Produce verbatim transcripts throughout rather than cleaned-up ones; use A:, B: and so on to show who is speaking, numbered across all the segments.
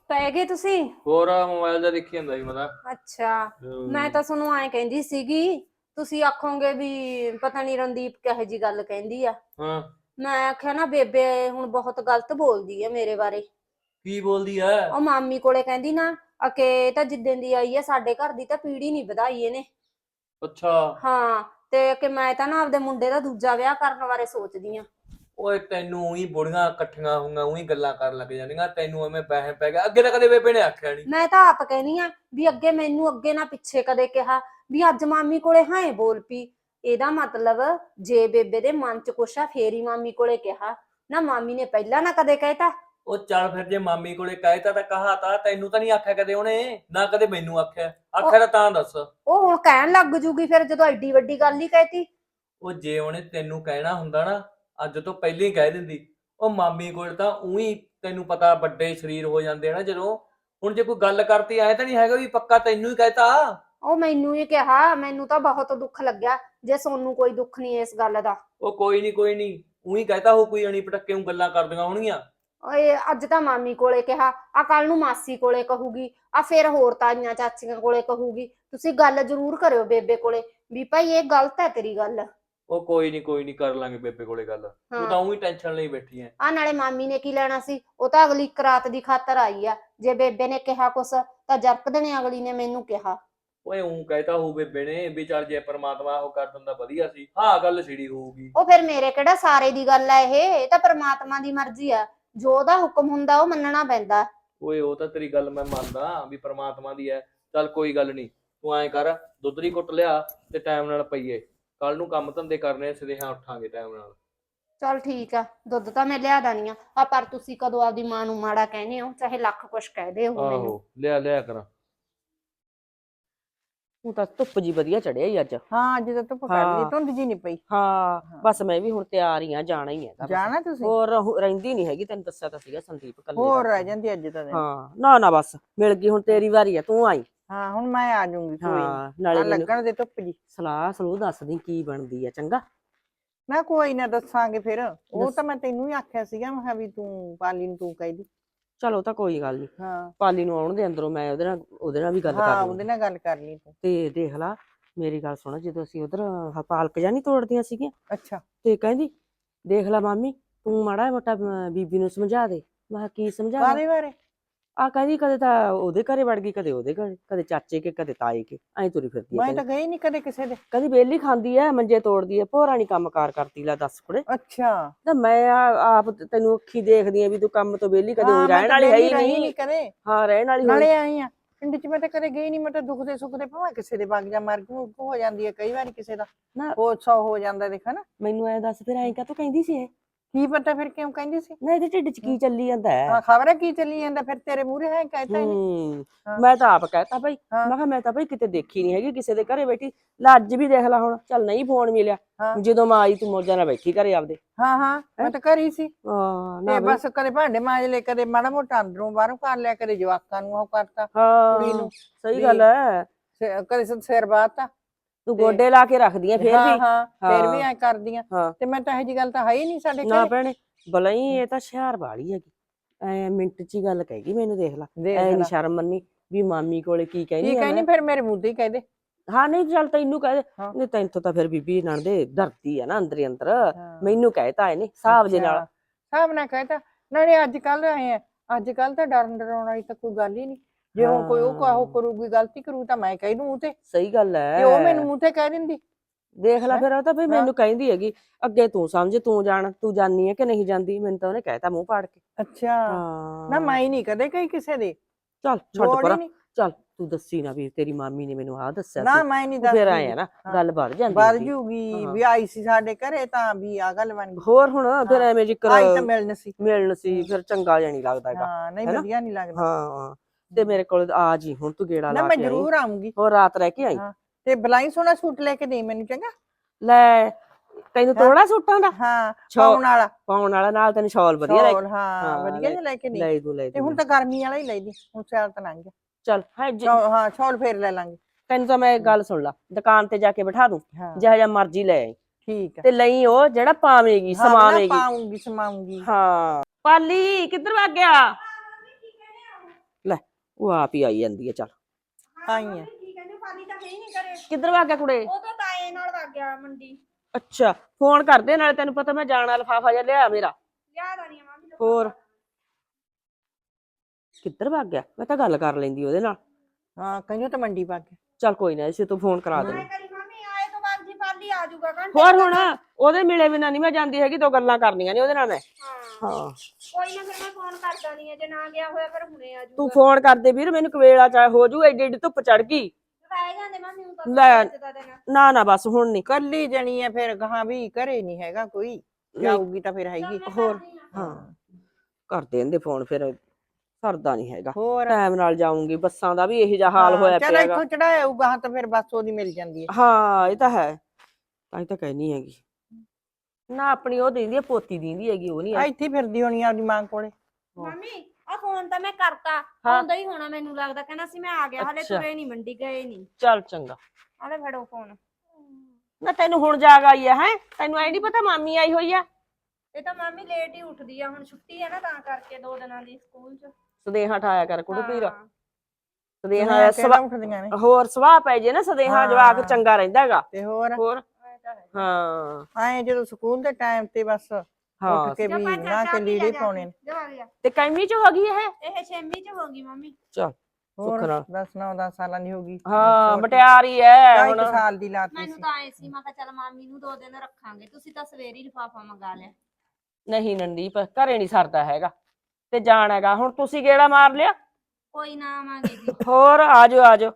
A: ਪੈ ਗਏ ਤੁਸੀਂ?
B: ਹੋਰ ਮੋਬਾਈਲ ਦਾ ਦੇਖੀ ਜਾਂਦਾ ਸੀ ਮੈਂ ਤਾਂ।
A: ਅੱਛਾ। ਮੈਂ ਤਾਂ ਤੁਹਾਨੂੰ ਐਂ ਕਹਿੰਦੀ ਸੀਗੀ, ਤੁਸੀਂ ਆਖੋਗੇ ਵੀ ਪਤਾ ਨਹੀਂ ਰਣਦੀਪ ਕਿਹੋ ਜੀ ਗੱਲ ਕਹਿੰਦੀ ਆ।
B: ਹਾਂ।
A: ਮੈਂ ਆਖਿਆ ਨਾ ਬੇਬੇ ਹੁਣ ਬਹੁਤ ਗਲਤ ਬੋਲਦੀ ਆ ਮੇਰੇ ਬਾਰੇ।
B: ਕੀ ਬੋਲਦੀ ਐ?
A: ਉਹ ਮਾਮੀ ਕੋਲੇ ਕਹਿੰਦੀ ਨਾ ਅਕੇ ਤਾਂ ਜਿੱਦਣ ਦੀ ਆਈ ਆ ਸਾਡੇ ਘਰ ਦੀ ਤਾਂ ਪੀੜੀ ਨਹੀਂ ਵਧਾਈ ਇਹਨੇ।
B: ਅੱਛਾ।
A: ਹਾਂ, ਤੇ ਕਿ ਮੈਂ ਤਾਂ ਨਾ ਆਪਦੇ ਮੁੰਡੇ ਦਾ ਦੂਜਾ ਵਿਆਹ ਕਰਨ ਬਾਰੇ ਸੋਚਦੀ ਆ।
B: ਓਏ ਤੈਨੂੰ ਉਹੀ ਬੁੜੀਆਂ ਇਕੱਠੀਆਂ ਹੋਈਆਂ ਉਹੀ ਗੱਲਾਂ ਕਰਨ ਲੱਗ ਜਾਂਦੀਆਂ, ਤੈਨੂੰ ਐਵੇਂ ਵਹਿਮ ਪੈ ਗਿਆ। ਅੱਗੇ ਤਾਂ ਕਦੇ ਬੇਬੇ ਨੇ ਆਖਿਆ ਨਹੀਂ।
A: ਮੈਂ ਤਾਂ ਆਪ ਕਹਿਨੀ ਆ ਵੀ ਅੱਗੇ ਮੈਨੂੰ ਅੱਗੇ ਨਾ ਪਿੱਛੇ ਕਦੇ ਕਿਹਾ ਵੀ ਅੱਜ ਮਾਮੀ ਕੋਲੇ ਹਾਂ ਬੋਲ ਪਈ। ਇਹਦਾ ਮਤਲਬ ਜੇ ਬੇਬੇ ਦੇ ਮਨ ਚ ਕੁਛ ਆ ਫੇਰ ਹੀ ਮਾਮੀ ਕੋਲੇ ਕਿਹਾ ਨਾ, ਮਾਮੀ ਨੇ ਪਹਿਲਾਂ ਨਾ ਕਦੇ ਕਹਿਤਾ।
B: ਉਹ ਚੱਲ ਫਿਰ ਜੇ ਮਾਮੀ ਕੋਲੇ ਕਹਿਤਾ ਤਾਂ ਕਹਾਤਾ, ਤੈਨੂੰ ਤਾਂ ਨਹੀਂ ਆਖਿਆ ਕਦੇ ਉਹਨੇ, ਨਾ ਕਦੇ ਮੈਨੂੰ ਆਖਿਆ। ਆਖਿਆ ਤਾਂ ਤਾਂ ਦੱਸ।
A: ਉਹ ਹੁਣ ਕਹਿਣ ਲੱਗ ਜੂਗੀ ਫਿਰ ਜਦੋਂ ਐਡੀ ਵੱਡੀ ਗੱਲ ਹੀ ਕਹਿਤੀ।
B: ਉਹ ਜੇ ਉਹਨੇ ਤੈਨੂੰ ਕਹਿਣਾ ਹੁੰਦਾ ਨਾ ਅੱਜ ਤੋਂ ਪਹਿਲਾਂ ਹੀ ਕਹਿ ਦਿੰਦੀ। ਉਹ ਮਾਮੀ ਕੋਲ ਤਾਂ ਉਹੀ ਤੈਨੂੰ ਪਤਾ ਵੱਡੇ ਸਰੀਰ ਹੋ ਜਾਂਦੇ ਨਾ ਜਦੋਂ। ਹੁਣ ਜੇ ਕੋਈ ਗੱਲ ਕਰਤੀ ਐ ਤਾਂ ਨਹੀਂ ਹੈਗਾ ਵੀ ਪੱਕਾ ਤੈਨੂੰ ਹੀ ਕਹਿਤਾ।
A: ਉਹ ਮੈਨੂੰ ਹੀ ਕਿਹਾ, ਮੈਨੂੰ ਤਾਂ ਬਹੁਤ ਦੁੱਖ ਲੱਗਿਆ। ਜੇ ਸੋਨੂੰ ਕੋਈ ਦੁੱਖ ਨਹੀਂ ਇਸ ਗੱਲ ਦਾ।
B: ਉਹ ਕੋਈ ਨਹੀਂ ਕੋਈ ਨਹੀਂ, ਉਹੀ ਕਹਿਤਾ ਹੋ ਕੋਈ ਅਣੀ ਪਟੱਕੇ ਨੂੰ ਗੱਲਾਂ ਕਰਦੀਆਂ ਹੋਣਗੀਆਂ।
A: ਓਏ ਅੱਜ ਤਾਂ ਮਾਮੀ ਕੋਲੇ ਕਿਹਾ, ਆ ਕੱਲ ਨੂੰ ਮਾਸੀ ਕੋਲੇ ਕਹੂਗੀ, ਆ ਫਿਰ ਹੋਰ ਤਾਈਆਂ ਚਾਚੀਆਂ ਕੋਲੇ ਕਹੂਗੀ। ਤੁਸੀਂ ਗੱਲ ਜ਼ਰੂਰ ਕਰਿਓ ਬੇਬੇ ਕੋਲੇ ਵੀ ਭਾਈ ਇਹ ਗਲਤ ਹੈ ਤੇਰੀ ਗੱਲ।
B: ਉਹ ਕੋਈ ਨਹੀਂ ਕੋਈ ਨਹੀਂ ਕਰ ਲਾਂਗੇ ਬੇਬੇ ਕੋਲੇ ਗੱਲ। ਤੂੰ ਤਾਂ ਉਹੀ ਟੈਨਸ਼ਨ ਲਈ ਬੈਠੀ ਐ।
A: ਆ ਨਾਲੇ ਮਾਮੀ ਨੇ ਕੀ ਲੈਣਾ ਸੀ, ਉਹ ਤਾਂ ਅਗਲੀ ਇੱਕ ਰਾਤ ਦੀ ਖਾਤਰ ਆਈ ਆ। ਜੇ ਬੇਬੇ ਨੇ ਕਿਹਾ ਕੁਛ ਤਾਂ ਜਰਕ ਦੇਣੇ ਅਗਲੀ ਨੇ ਮੈਨੂੰ ਕਿਹਾ।
B: ਓਏ ਉਹ ਕਹਿਤਾ ਹੋਊ ਬੇਬੇ ਨੇ ਵੀ ਚੱਲ ਜੇ ਪਰਮਾਤਮਾ ਉਹ ਕਰ ਦਿੰਦਾ ਵਧੀਆ ਸੀ, ਹਾਂ ਗੱਲ ਛਿੜੀ ਹੋਊਗੀ।
A: ਉਹ ਫਿਰ ਮੇਰੇ ਕਿਹੜਾ ਸਾਰੇ ਦੀ ਗੱਲ ਆ, ਇਹ ਇਹ ਤਾਂ ਪਰਮਾਤਮਾ ਦੀ ਮਰਜ਼ੀ ਆ। ਜੋ ਉਹਦਾ ਹੁਕਮ ਹੁੰਦਾ ਉਹ ਮੰਨਣਾ ਪੈਂਦਾ।
B: ਓਏ ਉਹ ਤਾਂ ਤੇਰੀ ਗੱਲ ਮੈਂ ਮੰਨਦਾ ਵੀ ਪਰਮਾਤਮਾ ਦੀ ਐ। ਚੱਲ ਕੋਈ ਗੱਲ ਨਹੀਂ, ਤੂੰ ਐਂ ਕਰ ਦੁੱਧ ਦੀ ਘੁੱਟ ਲਿਆ ਤੇ ਟਾਈਮ ਨਾਲ ਪਈਏ। ਕੱਲ ਨੂੰ ਕੰਮ ਧੰਦੇ ਕਰਨੇ, ਸਦੇਹਾਂ ਉੱਠਾਂਗੇ ਟਾਈਮ ਨਾਲ।
A: ਚਲ ਠੀਕ ਆ, ਦੁੱਧ ਤਾਂ ਮੈਂ ਲਿਆ ਦਾਨੀ ਆ। ਪਰ ਤੁਸੀਂ ਕਦੋਂ ਆਪਦੀ ਮਾਂ ਨੂੰ ਮਾੜਾ ਕਹਿੰਦੇ ਹੋ, ਚਾਹੇ ਲੱਖ ਕੁਛ ਕਹਦੇ ਹੋ ਮੈਨੂੰ।
B: ਆਹੋ ਲਿਆ ਲਿਆ ਕਰਾਂ।
C: ਹੁਣ ਤਾਂ ਧੁੱਪ ਜੀ ਵਧੀਆ ਚੜਿਆ ਹੀ ਅੱਜ।
D: ਹਾਂ ਅੱਜ ਤਾਂ ਧੁੱਪ ਕੱਢ ਲਈ, ਧੁੰਦ ਜੀ ਨਹੀਂ ਪਈ।
C: ਹਾਂ ਬਸ ਮੈਂ ਵੀ ਹੁਣ ਤਿਆਰ ਹੀ ਆ, ਜਾਣਾ ਹੀ ਹੈ।
D: ਜਾਣਾ ਤੁਸੀਂ?
C: ਹੋਰ ਰਹਿੰਦੀ ਨਹੀਂ ਹੈਗੀ, ਤੈਨੂੰ ਦੱਸਿਆ ਤਾਂ ਸੀਗਾ ਸੰਦੀਪ ਕੱਲੇ।
D: ਹੋਰ ਰਹਿ ਜਾਂਦੀ ਅੱਜ ਤਾਂ ਦਿਨ।
C: ਹਾਂ ਨਾ ਨਾ ਬਸ ਮਿਲ ਗਈ, ਹੁਣ ਤੇਰੀ ਵਾਰੀ ਆ, ਤੂੰ ਆਈ।
D: ਹਾਂ ਹੁਣ ਮੈਂ ਆ ਜਾਊਂਗੀ ਕੋਈ
C: ਹਾਂ ਨਾਲੇ
D: ਨਹੀਂ, ਲੱਗਣ ਦੇ ਧੁੱਪ ਜੀ।
C: ਸਲਾਹ ਸਲੂਹ ਦੱਸਦੀ ਕੀ ਬਣਦੀ ਆ, ਚੰਗਾ।
D: ਮੈਂ ਕੋਈ ਨਾ ਦੱਸਾਂਗੇ ਫਿਰ। ਉਹ ਤਾਂ ਮੈਂ ਤੈਨੂੰ ਹੀ ਆਖਿਆ ਸੀਗਾ, ਮੈਂ ਕਿਹਾ ਵੀ ਤੂੰ ਪਾਲੀ ਨੂੰ ਤੂੰ ਕਹਿ ਦੀ।
C: ਚਲੋ ਤਾਂ ਕੋਈ ਗੱਲ ਨਹੀਂ,
D: ਹਾਂ
C: ਪਾਲੀ ਨੂੰ ਆਉਣ ਦੇ ਅੰਦਰੋਂ, ਮੈਂ ਉਹਦੇ ਨਾਲ ਉਹਦੇ ਨਾਲ ਵੀ ਗੱਲ ਕਰ
D: ਹਾਂ
C: ਲੂੰਗੀ।
D: ਉਹਦੇ ਨਾਲ ਗੱਲ ਕਰ ਲਈ ਤੂੰ।
C: ਤੇ ਦੇਖ ਲਾ ਮੇਰੀ ਗੱਲ ਸੁਣ, ਜਦੋਂ ਅਸੀਂ ਉਧਰ ਪਾਲਕ ਜਾਂ ਨਹੀਂ ਤੋੜਦੀਆਂ ਸੀਗੀਆਂ
D: ਅੱਛਾ।
C: ਤੇ ਕਹਿੰਦੀ ਦੇਖ ਲਾ ਮਾਮੀ ਤੂੰ ਮਾੜਾ ਮੋਟਾ ਬੀਬੀ ਨੂੰ ਸਮਝਾ ਦੇ। ਮੈਂ ਕਿਹਾ ਕੀ ਸਮਝਾ
D: ਕਾਹਦੇ ਬਾਰੇ?
C: ਆ ਕਹਿੰਦੀ ਕਦੇ ਤਾਂ ਉਹਦੇ ਘਰੇ ਵੜ ਗਈ, ਕਦੇ ਉਹਦੇ ਘਰੇ, ਕਦੇ ਚਾਚੇ ਕੇ ਕਦੇ ਤਾਏ ਕੇ, ਐਂ ਤੁਰੀ ਫਿਰਦੀ
D: ਮੈਂ
C: ਐ।
D: ਤਾਂ ਗਈ ਨਹੀਂ ਕਦੇ ਕਿਸੇ ਦੇ।
C: ਕਹਿੰਦੀ ਵਿਹਲੀ ਖਾਂਦੀ ਐ, ਮੰਜੇ ਤੋੜਦੀ ਐ, ਭੋਰਾ ਨੀ ਕੰਮ ਕਾਰ ਕਰਦੀ। ਲੈ ਦੱਸ ਕੁੜੇ।
D: ਅੱਛਾ।
C: ਤਾਂ ਮੈਂ ਆਪ ਤੈਨੂੰ ਅੱਖੀ ਦੇਖਦੀ ਆ ਵੀ ਤੂੰ ਕੰਮ ਤੋਂ ਵਿਹਲੀ ਕਦੇ ਹੋਈ, ਰਹਿਣ ਵਾਲੀ ਹੈ ਹੀ ਨਹੀਂ।
D: ਕਦੇ
C: ਹਾਂ ਰਹਿਣ ਵਾਲੀ
D: ਨਾਲੇ ਆਈ ਆ ਪਿੰਡ ਚ, ਮੈਂ ਤਾਂ ਕਦੇ ਗਈ ਨਹੀਂ। ਮੈਂ ਤਾਂ ਦੁੱਖ ਦੇ ਸੁੱਖ ਦੇ ਭਾਵੇਂ ਕਿਸੇ ਦੇ ਵਗ ਜਾ, ਮਰ ਗੂ ਹੋ ਜਾਂਦੀ ਹੈ ਕਈ ਵਾਰੀ ਕਿਸੇ ਦਾ
C: ਨਾ
D: ਹੋ ਸੌ ਹੋ ਜਾਂਦਾ ਦੇਖ ਨਾ।
C: ਮੈਨੂੰ ਐ ਦੱਸ ਫਿਰ ਐਂ ਕਾ ਤੂੰ ਕਹਿੰਦੀ ਸੀ ਇਹ?
D: ਕੀ ਪਤਾ ਫਿਰ ਕਿਉਂ ਕਹਿੰਦੀ ਸੀ?
C: ਨਾ ਇਹਦੇ ਢਿੱਡ ਚ ਕੀ ਚੱਲੀ ਜਾਂਦਾ ਹੈ?
D: ਹਾਂ ਖਬਰ ਹੈ ਕੀ ਚੱਲੀ ਜਾਂਦਾ ਫਿਰ ਤੇਰੇ ਮੂਹਰੇ ਹੈ ਕਹਿਤਾ ਇਹਨੇ।
C: ਹੂੰ ਮੈਂ ਤਾਂ ਆਪ ਕਹਿਤਾ ਭਾਈ, ਮੈਂ ਕਿਹਾ ਮੈਂ ਤਾਂ ਭਾਈ ਕਿਤੇ ਦੇਖੀ ਨਹੀਂ ਹੈਗੀ ਕਿਸੇ ਦੇ ਘਰੇ ਬੈਠੀ। ਲੈ ਅੱਜ ਵੀ ਦੇਖ ਲੈ, ਹੁਣ ਚੱਲ ਨਹੀਂ ਫੋਨ ਮਿਲਿਆ, ਜਦੋਂ ਮੈਂ ਆਈ ਤੂੰ ਮੌਜਾਂ ਨਾਲ ਬੈਠੀ ਘਰੇ ਆਪਦੇ।
D: ਹਾਂ ਹਾਂ ਮੈਂ ਤਾਂ ਘਰ ਹੀ ਸੀ।
C: ਹਾਂ
D: ਤੇ ਬਸ ਕਦੇ ਭਾਂਡੇ ਮਾਂਜ ਲਏ, ਕਦੇ ਮਾੜਾ ਮੋਟਾ ਅੰਦਰੋਂ ਬਾਹਰੋਂ ਕਰ ਲਿਆ, ਕਦੇ ਜਵਾਕਾਂ ਨੂੰ ਉਹ ਕਰਤਾ ਕੁੜੀ ਨੂੰ।
C: ਸਹੀ ਗੱਲ ਹੈ।
D: ਕਦੇ ਸਿਰ ਬਾਹਤਾ,
C: ਤੂੰ ਗੋਡੇ ਲਾ ਕੇ ਰੱਖਦੀ ਆ ਫੇਰ ਵੀ।
D: ਹਾਂ ਫੇਰ ਵੀ ਐ ਕਰਦੀਆਂ। ਤੇ ਮੈਂ ਤਾਂ ਇਹੋ ਜਿਹੀ ਗੱਲ ਤਾਂ ਹੈ ਹੀ ਨਹੀਂ ਸਾਡੇ ਘਰੇ।
C: ਨਾ ਭੈਣੇ ਭਲਾ ਹੀ ਇਹ ਤਾਂ ਹੁਸ਼ਿਆਰ ਵਾਲੀ ਹੈਗੀ, ਐ ਮਿੰਟ ਚ ਹੀ ਗੱਲ ਕਹਿ ਮੈਨੂੰ ਦੇਖ ਲਾ। ਐ ਨੀ ਸ਼ਰਮ ਮੰਨੀ ਵੀ ਮਾਮੀ ਕੋਲੇ ਕੀ ਕਹਿਨੀ
D: ਕੀ ਕਹਿਨੀ ਫਿਰ ਮੇਰੇ ਮੂੰਹ ਤੇ ਹੀ ਕਹਿ ਦੇ।
C: ਹਾਂ ਨਹੀਂ ਚੱਲ ਤੈਨੂੰ ਕਹਿ ਦੇ, ਨਹੀਂ ਤੈਨੂੰ ਤਾਂ ਫਿਰ ਬੀਬੀ ਨਾਲ ਦੇ ਡਰਦੀ ਆ ਨਾ ਅੰਦਰ ਅੰਦਰ। ਮੈਨੂੰ ਕਹਿਤਾ ਇਹਨੇ ਹਿਸਾਬ ਦੇ ਨਾਲ।
D: ਹਿਸਾਬ ਨਾਲ ਕਹਿਤਾ। ਨਾਲੇ ਅੱਜ ਕੱਲ ਆਏ ਆ, ਅੱਜ ਕੱਲ ਤਾਂ ਡਰਨ ਡਰਾਉਣ ਵਾਲੀ ਤਾਂ ਕੋਈ ਗੱਲ ਹੀ ਨਹੀਂ। ਜੇ ਹੁਣ ਕੋਈ ਉਹ ਉਹ ਕਰੂਗੀ ਗਲਤੀ ਕਰੂ ਤਾਂ ਮੈਂ ਕਹਿ ਦੂੰ ਮੂੰਹ ਤੇ।
C: ਸਹੀ ਗੱਲ ਹੈ।
D: ਤੇ ਉਹ ਮੈਨੂੰ ਮੂੰਹ ਤੇ ਕਹਿ ਦਿੰਦੀ।
C: ਦੇਖ ਲੈ ਫਿਰ ਉਹ ਤਾਂ ਵੀ ਮੈਨੂੰ ਕਹਿੰਦੀ ਹੈਗੀ ਅੱਗੇ ਤੂੰ ਸਮਝ, ਤੂੰ ਜਾਣ, ਤੂੰ ਜਾਨੀ ਹੈ ਕਿ ਨਹੀਂ ਜਾਂਦੀ। ਮੈਨੂੰ ਤਾਂ ਉਹਨੇ ਕਹਿਤਾ ਮੂੰਹ ਪਾੜ ਕੇ।
D: ਅੱਛਾ ਨਾ ਮੈਂ ਹੀ ਨਹੀਂ ਕਦੇ ਕਹੀ ਕਿਸੇ ਦੇ।
C: ਚੱਲ ਛੱਡ ਪਰਾਂ, ਚੱਲ ਤੂੰ ਦੱਸੀ ਨਾ ਵੀ ਤੇਰੀ ਮਾਮੀ ਨੇ ਮੈਨੂੰ ਆਹ ਦੱਸਿਆ
D: ਨਾ ਮੈਂ ਨਹੀਂ ਦੱਸਦੀ।
C: ਫਿਰ ਆਏ ਆ ਨਾ ਗੱਲ ਵੱਧ ਜਾਂਦੀ
D: ਵੱਧ ਜੂਗੀ ਵੀ ਆਈ ਸੀ ਸਾਡੇ ਘਰੇ ਤਾਂ ਵੀ ਆ ਗੱਲ ਬਣ ਗਈ।
C: ਹੋਰ ਹੁਣ ਫਿਰ ਐਵੇਂ ਜ਼ਿਕਰ
D: ਆਈ ਤਾਂ ਮਿਲਣ ਸੀ
C: ਮਿਲਣ ਸੀ ਫਿਰ ਚੰਗਾ ਜਿਹਾ ਨਹੀਂ ਲੱਗਦਾ ਹੈਗਾ।
D: ਹਾਂ ਨਹੀਂ ਵਧੀਆ ਨਹੀਂ ਲੱਗਦਾ।
C: ਹਾਂ ਤੇ ਮੇਰੇ ਕੋਲ ਆ ਜੀ ਹੁਣ ਤੂੰ ਗੇੜਾ ਲਾ ਕੇ ਆਈ।
D: ਨਾ ਮੈਂ ਜ਼ਰੂਰ ਆਉਂਗੀ।
C: ਹੋਰ ਰਾਤ ਰਹਿ ਕੇ ਆਈ।
D: ਤੇ ਬਲਾਈ ਸੋਹਣਾ ਸੂਟ ਲੈ ਕੇ ਦੇ ਮੈਨੂੰ ਚੰਗਾ।
C: ਲੈ ਤੈਨੂੰ ਤੋੜਾ ਸੂਟਾਂ ਦਾ?
D: ਹਾਂ ਪਾਉਣ ਵਾਲਾ।
C: ਪਾਉਣ ਵਾਲਾ ਨਾਲ ਤੈਨੂੰ ਸ਼ਾਲ ਵਧੀਆ ਲੈ ਕੇ।
D: ਹਾਂ ਵਧੀਆ ਜਿਹਾ ਲੈ ਕੇ ਦੇ।
C: ਲੈ ਦੂ ਲੈ
D: ਤੇ ਹੁਣ ਤਾਂ ਗਰਮੀ ਵਾਲਾ ਹੀ ਲੈ ਦੀ, ਹੁਣ ਸਿਆਲ ਤਾਂ ਲੰਘ ਗਿਆ।
C: ਚੱਲ
D: ਹਾਂ ਸ਼ਾਲ ਫੇਰ ਲੈ ਲਾਂਗੇ।
C: ਤੈਨੂੰ ਤਾਂ ਮੈਂ ਗੱਲ ਸੁਣ ਲਾ, ਦੁਕਾਨ ਤੇ ਜਾ ਕੇ ਬਿਠਾ ਦੂੰ, ਜਿਹੋ ਜਿਹਾ ਮਰਜ਼ੀ ਲੈ ਆਈ।
D: ਠੀਕ ਹੈ।
C: ਤੇ ਲਈ ਉਹ ਜਿਹੜਾ ਪਾਵੇਂਗੀ ਸਮਾਵੇਂਗੀ।
D: ਪਾਉਂਗੀ ਸਮਾਉਂਗੀ।
C: ਹਾਂ ਪਾਲੀ ਕਿੱਧਰ ਵਗ ਗਿਆ? ਉਹ ਆਪ ਹੀ ਆਈ ਜਾਂਦੀ ਹੈ। ਚੱਲ
D: ਆਈ ਆ।
A: ਕੀ ਕਹਿੰਦੇ ਪਾਲੀ ਤਾਂ ਹੈ ਹੀ ਨਹੀਂ ਕਰੇ।
C: ਕਿੱਧਰ ਵਗ ਗਿਆ ਕੁੜੇ?
A: ਉਹ ਤਾਂ ਤਾਏ ਨਾਲ ਵਗ ਗਿਆ ਮੰਡੀ।
C: ਅੱਛਾ ਫੋਨ ਕਰਦੇ ਨਾਲੇ ਤੈਨੂੰ ਪਤਾ ਮੈਂ ਜਾਣਾ ਲਿਫਾਫਾ ਜਿਹਾ ਲਿਆ ਮੇਰਾ।
A: ਯਾਦ ਆਣੀ ਮਾਮੀ
C: ਹੋਰ ਕਿੱਧਰ ਵਗ ਗਿਆ? ਮੈਂ ਤਾਂ ਗੱਲ ਕਰ ਲੈਂਦੀ ਉਹਦੇ ਨਾਲ।
D: ਹਾਂ ਕਹਿੰਦੇ ਤਾਂ ਮੰਡੀ ਪਾ ਕੇ।
C: ਚੱਲ ਕੋਈ ਨਾ ਇਸੇ ਤੋਂ ਫੋਨ ਕਰਾ ਦੇ।
A: ਕਰੀ ਮਾਮੀ ਆਏ ਤੋਂ ਬਾਅਦ ਜੀ ਪਾਲੀ ਆ ਜਾਊਗਾ ਘੰਟੇ
C: ਹੋਰ ਹੁਣ ਉਹਦੇ ਮਿਲੇ ਬਿਨਾਂ ਨਹੀਂ ਮੈਂ ਜਾਂਦੀ ਹੈਗੀ, ਦੋ ਗੱਲਾਂ ਕਰਨੀਆਂ ਨੇ ਉਹਦੇ ਨਾਲ ਮੈਂ।
A: ਹਾਂ
C: ਹਾਂ
A: ਕੋਈ ਨਾ ਫਿਰ ਮੈਂ ਫੋਨ ਕਰਦਾ ਨਹੀਂ ਜੇ ਨਾ ਗਿਆ ਹੋਇਆ ਫਿਰ ਹੁਣੇ ਆ ਜਾਊਗਾ।
C: ਤੂੰ ਫੋਨ ਕਰਦੇ ਵੀਰ, ਮੈਨੂੰ ਕਵੇਲਾ ਚਾਹੇ ਹੋ ਜੂ, ਐਡੀ ਐਡੀ ਧੁੱਪ ਚੜ ਗਈ।
A: ਰਹਿ ਜਾਂਦੇ ਮਾਮੀ ਨੂੰ ਤਾਂ
C: ਲੈ
A: ਦਾ ਦੇਣਾ।
C: ਨਾ ਨਾ ਬਸ ਹੁਣ ਨਹੀਂ।
D: ਕੱਲੀ ਜਣੀ ਆ ਫਿਰ ਗਾਹਾਂ ਵੀ ਘਰੇ ਨਹੀਂ ਹੈਗਾ ਕੋਈ, ਜਾਊਗੀ ਤਾਂ ਫਿਰ ਹੈਗੀ।
C: ਹੋਰ ਹਾਂ ਕਰ ਦੇਂਦੇ ਫੋਨ, ਫਿਰ ਸਰਦਾ ਨਹੀਂ ਹੈਗਾ।
D: ਹੋਰ
C: ਟਾਈਮ ਨਾਲ ਜਾਊਂਗੀ, ਬੱਸਾਂ ਦਾ ਵੀ ਇਹੋ ਜਿਹਾ ਹਾਲ ਹੋਇਆ
D: ਚਲ
C: ਪਿਆ ਹੈਗਾ।
D: ਇੱਥੋਂ ਚੜਾਇਆ ਹੋਊਗਾ ਤਾਂ ਫਿਰ ਬੱਸ ਉਹਦੀ ਮਿਲ ਜਾਂਦੀ ਹੈ।
C: ਹਾਂ ਇਹ ਤਾਂ ਹੈ, ਤਾਂ ਹੀ ਤਾਂ ਕਹਿਨੀ ਹੈਗੀ। ਨਾ ਆਪਣੀ ਉਹ ਦਿੰਦੀ ਹੈ, ਪੋਤੀ ਦਿੰਦੀ ਹੈਗੀ, ਉਹ ਨਹੀਂ
D: ਆ ਇੱਥੇ ਫਿਰਦੀ ਹੋਣੀ ਆ ਉਹਦੀ ਮਾਂ ਕੋਲੇ।
A: ਮਾਮੀ ਆ ਫੋਨ ਤਾਂ ਮੈਂ ਕਰਤਾ, ਆਉਂਦਾ ਹੀ ਹੋਣਾ ਮੈਨੂੰ ਲੱਗਦਾ। ਕਹਿੰਦਾ ਸੀ ਮੈਂ ਆ ਗਿਆ, ਹਲੇ ਤੁਰੇ ਨਹੀਂ ਮੰਡੀ ਗਏ ਨਹੀਂ।
C: ਚੱਲ ਚੰਗਾ।
A: ਆਲੇ ਫੜੋ ਫੋਨ।
C: ਨਾ ਤੈਨੂੰ ਹੁਣ ਜਾਗ ਆਈ ਆ? ਹੈ ਤੈਨੂੰ ਐ ਨਹੀਂ ਪਤਾ ਮਾਮੀ ਆਈ ਹੋਈ ਆ?
A: ਇਹ ਤਾਂ ਮਾਮੀ ਲੇਟ ਹੀ ਉੱਠਦੀ ਆ, ਹੁਣ ਛੁੱਟੀ ਹੈ ਨਾ ਤਾਂ ਕਰਕੇ ਦੋ ਦਿਨਾਂ ਦੀ ਸਕੂਲ ਚ।
C: ਸਦੇਹਾ ਠਾਇਆ ਕਰ ਕੁੜੇ ਪੀਰ।
A: ਹਾਂ।
C: ਸਦੇਹਾ
D: ਕਿਹੜਾ
C: ਸਵਾ
D: ਉੱਠਦੀਆਂ ਨੇ
C: ਹੋਰ ਸਵਾਹ ਪੈ ਜੇ ਨਾ ਸਦੇਹਾ ਜਵਾਕ ਚੰਗਾ ਰਹਿੰਦਾ ਹੈਗਾ।
D: ਤੇ ਹੋਰ
C: ਹੋਰ
A: ਇਹ ਤਾਂ ਹੈ।
C: ਹਾਂ
D: ਆਏ ਜਦੋਂ ਸਕੂਲ ਦੇ ਟਾਈਮ ਤੇ ਬਸ
C: ਹਾਂ
D: ਉੱਠ ਕੇ ਵੀ ਨਾ ਕੇ ਲੀੜੇ ਪਾਉਣੇ ਨੇ।
A: ਜਾ ਆ ਗਿਆ।
C: ਤੇ ਕੈਮੀ ਚ ਹੋ ਗਈ ਇਹ?
A: ਇਹ ਛੇਵੀਂ ਚ ਹੋ ਗਈ ਮਾਮੀ।
C: ਚੱਲ
D: ਹੋਰ
C: ਸੁੱਖ ਨਾਲ।
D: ਦਸ ਨੌ ਦਸ ਸਾਲਾਂ ਦੀ ਹੋ ਗਈ।
C: ਹਾਂ ਮਟਿਆਰੀ ਐ
D: ਢਾਈ ਕੁ
C: ਹੁਣ।
D: ਸਾਲ ਦੀ ਲਾਤੀ
A: ਮੈਨੂੰ
D: ਸੀ।
A: ਤਾਂ ਆਏ ਸੀ, ਮੈਂ ਕਿਹਾ ਚੱਲ ਮਾਮੀ ਨੂੰ ਦੋ ਦਿਨ ਰੱਖਾਂਗੇ, ਤੁਸੀਂ ਤਾਂ ਸਵੇਰੇ ਹੀ ਲਿਫਾਫਾ ਮੰਗਾ ਲਿਆ।
C: ਨਹੀਂ ਨੰਦੀਪ ਘਰੇ ਨਹੀਂ ਸਰਦਾ ਹੈਗਾ ਤੇ ਜਾਣ ਹੈਗਾ। ਹੁਣ ਤੁਸੀਂ ਗੇੜਾ ਮਾਰ ਲਿਆ?
A: ਕੋਈ ਨਾ ਆਵਾਂਗੇ ਜੀ।
C: ਹੋਰ ਆਜੋ ਆਜੋ।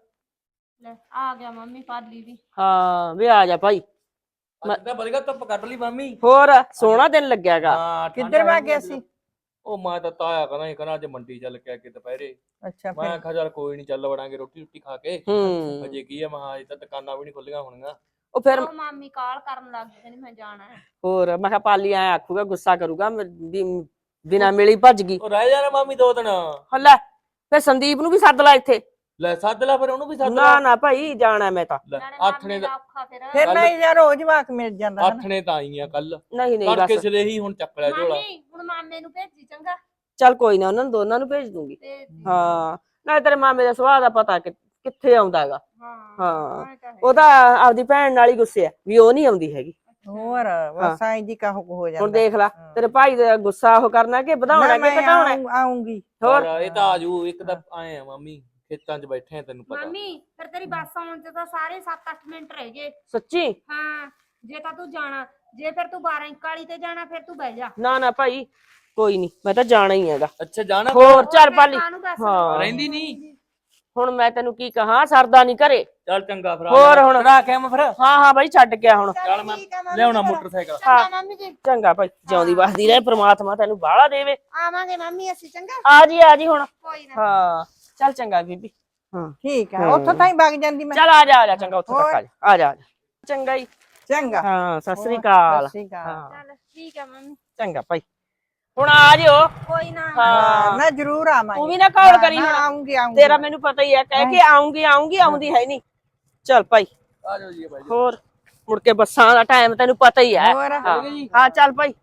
A: ਲੈ ਆ ਗਿਆ ਮੰਮੀ ਪਾਲੀ ਵੀ।
C: ਹਾਂ ਵੀ ਆ ਜਾ ਭਾਈ।
B: ਅੱਜ ਤਾਂ ਵਧੀਆ ਧੁੱਪ ਕੱਢ ਲਈ ਮਾਮੀ।
C: ਹੋਰ ਸੋਹਣਾ ਦਿਨ ਲੱਗਿਆਗਾ।
B: ਹਾਂ
D: ਕਿੱਧਰ ਵਗ ਗਿਆ ਸੀ?
B: ਉਹ ਮੈਂ ਤਾਂ ਤਾਇਆ ਕਰਾਂ ਹੀ ਕਰਾਂ ਅੱਜ ਮੰਡੀ ਚੱਲ ਕੇ ਅੱਗੇ ਦੁਪਹਿਰੇ।
D: ਅੱਛਾ
B: ਮੈਂ
D: ਫਿਰ
B: ਕਿਹਾ ਚੱਲ ਕੋਈ ਨਹੀਂ ਚੱਲ ਵੜਾਂਗੇ ਰੋਟੀ ਰੋਟੀ ਖਾ ਕੇ।
C: ਹੂੰ
B: ਅਜੇ ਕੀ ਆ ਮਹਾ ਅਜੇ ਤਾਂ ਦੁਕਾਨਾਂ ਵੀ ਨਹੀਂ ਖੁੱਲੀਆਂ ਹੋਣੀਆਂ।
C: ਉਹ ਫਿਰ
A: ਉਹ ਮਾਮੀ ਕਾਲ ਕਰਨ ਲੱਗ ਗਈ, ਕਹਿੰਦੀ ਮੈਂ ਜਾਣਾ ਹੈ।
C: ਹੋਰ ਮੈਂ ਕਿਹਾ ਪਾਲੀ ਐ ਆਖੂਗਾ, ਗੁੱਸਾ ਕਰੂਗਾ ਵੀ ਬਿਨਾ ਮਿਲੀ ਭੱਜ ਗਈ।
B: ਉਹ ਰਹਿ ਜਾਣਾ ਮਾਮੀ ਦੋ ਦਿਨ।
C: ਲੈ ਫਿਰ ਸੰਦੀਪ ਨੂੰ ਵੀ ਸੱਦ ਲੈ ਇੱਥੇ।
B: ਲੈ ਸੱਦ ਲੈ ਫਿਰ ਉਹਨੂੰ ਵੀ ਸੱਦ
C: ਨਾ
B: ਲੈ।
C: ਨਾ ਭਾਈ ਜਾਣਾ ਮੈਂ ਤਾਂ।
B: ਲੈ
A: ਨਾਲੇ
B: ਆਥਣੇ
A: ਮਾਮੀ
B: ਦਾ
A: ਦਾ ਔਖਾ ਫਿਰ।
D: ਫਿਰ
B: ਕੱਲ੍ਹ-
D: ਨਹੀਂ ਯਾਰ ਰੋਜ਼ ਵਾਕ ਮਿਲ ਜਾਂਦਾ ਹਨਾ।
B: ਆਥਣੇ ਤਾਂ ਆਈ ਆ ਕੱਲ
C: ਨਹੀਂ ਨਹੀਂ
B: ਤੜਕੇ
C: ਬਸ
B: ਸਿਰੇ ਹੀ ਹੁਣ ਚੱਕ ਲਿਆ ਝੋਲਾ।
A: ਮਾਮੀ ਹੁਣ ਮਾਮੇ ਨੂੰ ਭੇਜੀ ਚੰਗਾ।
C: ਚੱਲ ਕੋਈ ਨਾ, ਉਹਨਾਂ ਨੂੰ ਦੋਨਾਂ ਨੂੰ ਭੇਜ ਦੂੰਗੀ।
A: ਤੇ
C: ਹਾਂ ਨਾਲੇ ਤੇਰੇ ਮਾਮੇ ਦਾ ਸੁਭਾਅ ਦਾ ਪਤਾ ਕਿ ਕਿੱਥੇ ਆਉਂਦਾ ਹੈਗਾ।
A: ਹਾਂ
C: ਹਾਂ
A: ਇਹ ਤਾਂ ਹੈ।
C: ਉਹ ਤਾਂ ਆਪਦੀ ਭੈਣ ਨਾਲ ਹੀ ਗੁੱਸੇ ਆ ਵੀ ਉਹ ਨਹੀਂ ਆਉਂਦੀ ਹੈਗੀ।
D: ਹੋਰ ਬਸ ਆਈ ਜੀ ਕਾਹੋ ਹੋ ਜਾਂਦਾ।
C: ਹੁਣ ਦੇਖ ਲੈ ਤੇਰੇ ਭਾਈ ਦਾ ਗੁੱਸਾ ਉਹ ਕਰਨਾ ਕਿ ਵਧਾਉਣਾ ਕਿ ਘਟਾਉਣਾ।
D: ਆਉਂਗੀ।
C: ਹੋਰ
B: ਪਰ ਇਹ ਤਾਂ ਆਜੂ ਇੱਕ ਤਾਂ ਆਏ ਆ ਮਾਮੀ ਖੇਤਾਂ 'ਚ ਬੈਠੇ ਆ ਤੈਨੂੰ ਪਤਾ।
A: ਮਾਮੀ ਫਿਰ ਤੇਰੀ ਬੱਸ ਆਉਣ ਚ ਤਾਂ ਸਾਰੇ ਸੱਤ ਅੱਠ ਮਿੰਟ ਰਹਿ ਗਏ।
C: ਸੱਚੀ?
A: ਹਾਂ ਜੇ ਤਾਂ ਤੂੰ ਜਾਣਾ, ਜੇ ਫਿਰ ਤੂੰ ਬਾਰਾਂ ਇਕਾਲੀ ਤੇ ਜਾਣਾ ਫਿਰ ਤੂੰ ਬਹਿ ਜਾ।
C: ਨਾ ਨਾ ਭਾਈ ਕੋਈ ਨਹੀਂ, ਮੈਂ ਤਾਂ ਜਾਣਾ ਹੀ ਹੈਗਾ।
B: ਅੱਛਾ ਜਾਣਾ
C: ਹੋਰ ਚੱਲ
A: ਫਿਰ
C: ਪਾਲੀ।
A: ਕਾਹਨੂੰ ਦੱਸ
C: ਹਾਂ
B: ਰਹਿੰਦੀ ਨਹੀਂ।
C: ਹੁਣ ਮੈਂ ਤੈਨੂੰ ਕੀ ਕਹਾਂ, ਸਰਦਾ ਨਹੀਂ ਘਰੇ।
B: ਚੱਲ ਚੰਗਾ ਫਿਰ
C: ਹੋਰ ਹੁਣ
B: ਚੜਾ ਕੇ ਆਵਾਂ ਫਿਰ।
C: ਹਾਂ ਹਾਂ ਬਾਈ ਛੱਡ ਕੇ ਆ ਹੁਣ।
B: ਚੱਲ ਮੈਂ ਲਿਆਉਣਾ ਮੋਟਰਸਾਈਕਲ।
A: ਚੰਗਾ ਮਾਮੀ ਜੀ।
C: ਚੰਗਾ ਭਾਈ ਜਿਉਂਦੀ ਵਸਦੀ ਰਹੇ ਪ੍ਰਮਾਤਮਾ ਤੈਨੂੰ ਬਾਹਲਾ ਦੇਵੇ।
A: ਆਵਾਂਗੇ ਮਾਮੀ ਅਸੀਂ ਚੰਗਾ।
C: ਆ ਜੀ ਆ ਜੀ ਹੁਣ।
A: ਕੋਈ ਨਾ।
C: ਹਾਂ ਚੱਲ ਚੰਗਾ ਬੀਬੀ। ਹਾਂ
D: ਠੀਕ ਆ ਉੱਥੋਂ ਤਾਈਂ ਵਗ ਜਾਂਦੀ ਮੈਂ।
C: ਚੱਲ ਆ ਜਾ ਆ ਜਾ ਚੰਗਾ ਉੱਥੇ ਤੱਕ ਆ ਜਾ ਆ ਜਾ ਆ ਜਾ। ਚੰਗਾ ਹੀ।
D: ਚੰਗਾ
C: ਹਾਂ ਸਤਿ ਸ੍ਰੀ ਅਕਾਲ।
D: ਸਤਿ ਸ਼੍ਰੀ ਅਕਾਲ।
C: ਹਾਂ
A: ਚੱਲ ਠੀਕ ਆ ਮੰਮੀ।
C: ਚੰਗਾ ਭਾਈ ਹੁਣ ਆ ਜਿਓ।
A: ਕੋਈ ਨਾ।
C: ਹਾਂ
D: ਮੈਂ ਜ਼ਰੂਰ ਆਵਾਂਗੀ।
C: ਤੂੰ ਵੀ ਨਾ ਕਾਲ ਕਰੀ ਹੁਣ।
D: ਆਉਂਗੀ ਆਉਂਗੀ।
C: ਤੇਰਾ ਮੈਨੂੰ ਪਤਾ ਹੀ ਹੈ, ਕਹਿ ਕੇ ਆਉਂਗੀ ਆਉਂਗੀ ਆਉਂਦੀ ਹੈ ਨਹੀਂ। ਚੱਲ ਭਾਈ
B: ਆ ਜਾਓ ਜੀ ਭਾਈ।
C: ਹੋਰ ਮੁੜ ਕੇ ਬੱਸਾਂ ਦਾ ਟਾਈਮ ਤੈਨੂੰ ਪਤਾ ਹੀ ਹੈ।
D: ਹੋਰ
C: ਹਾਂ ਹਾਂ ਚੱਲ ਭਾਈ।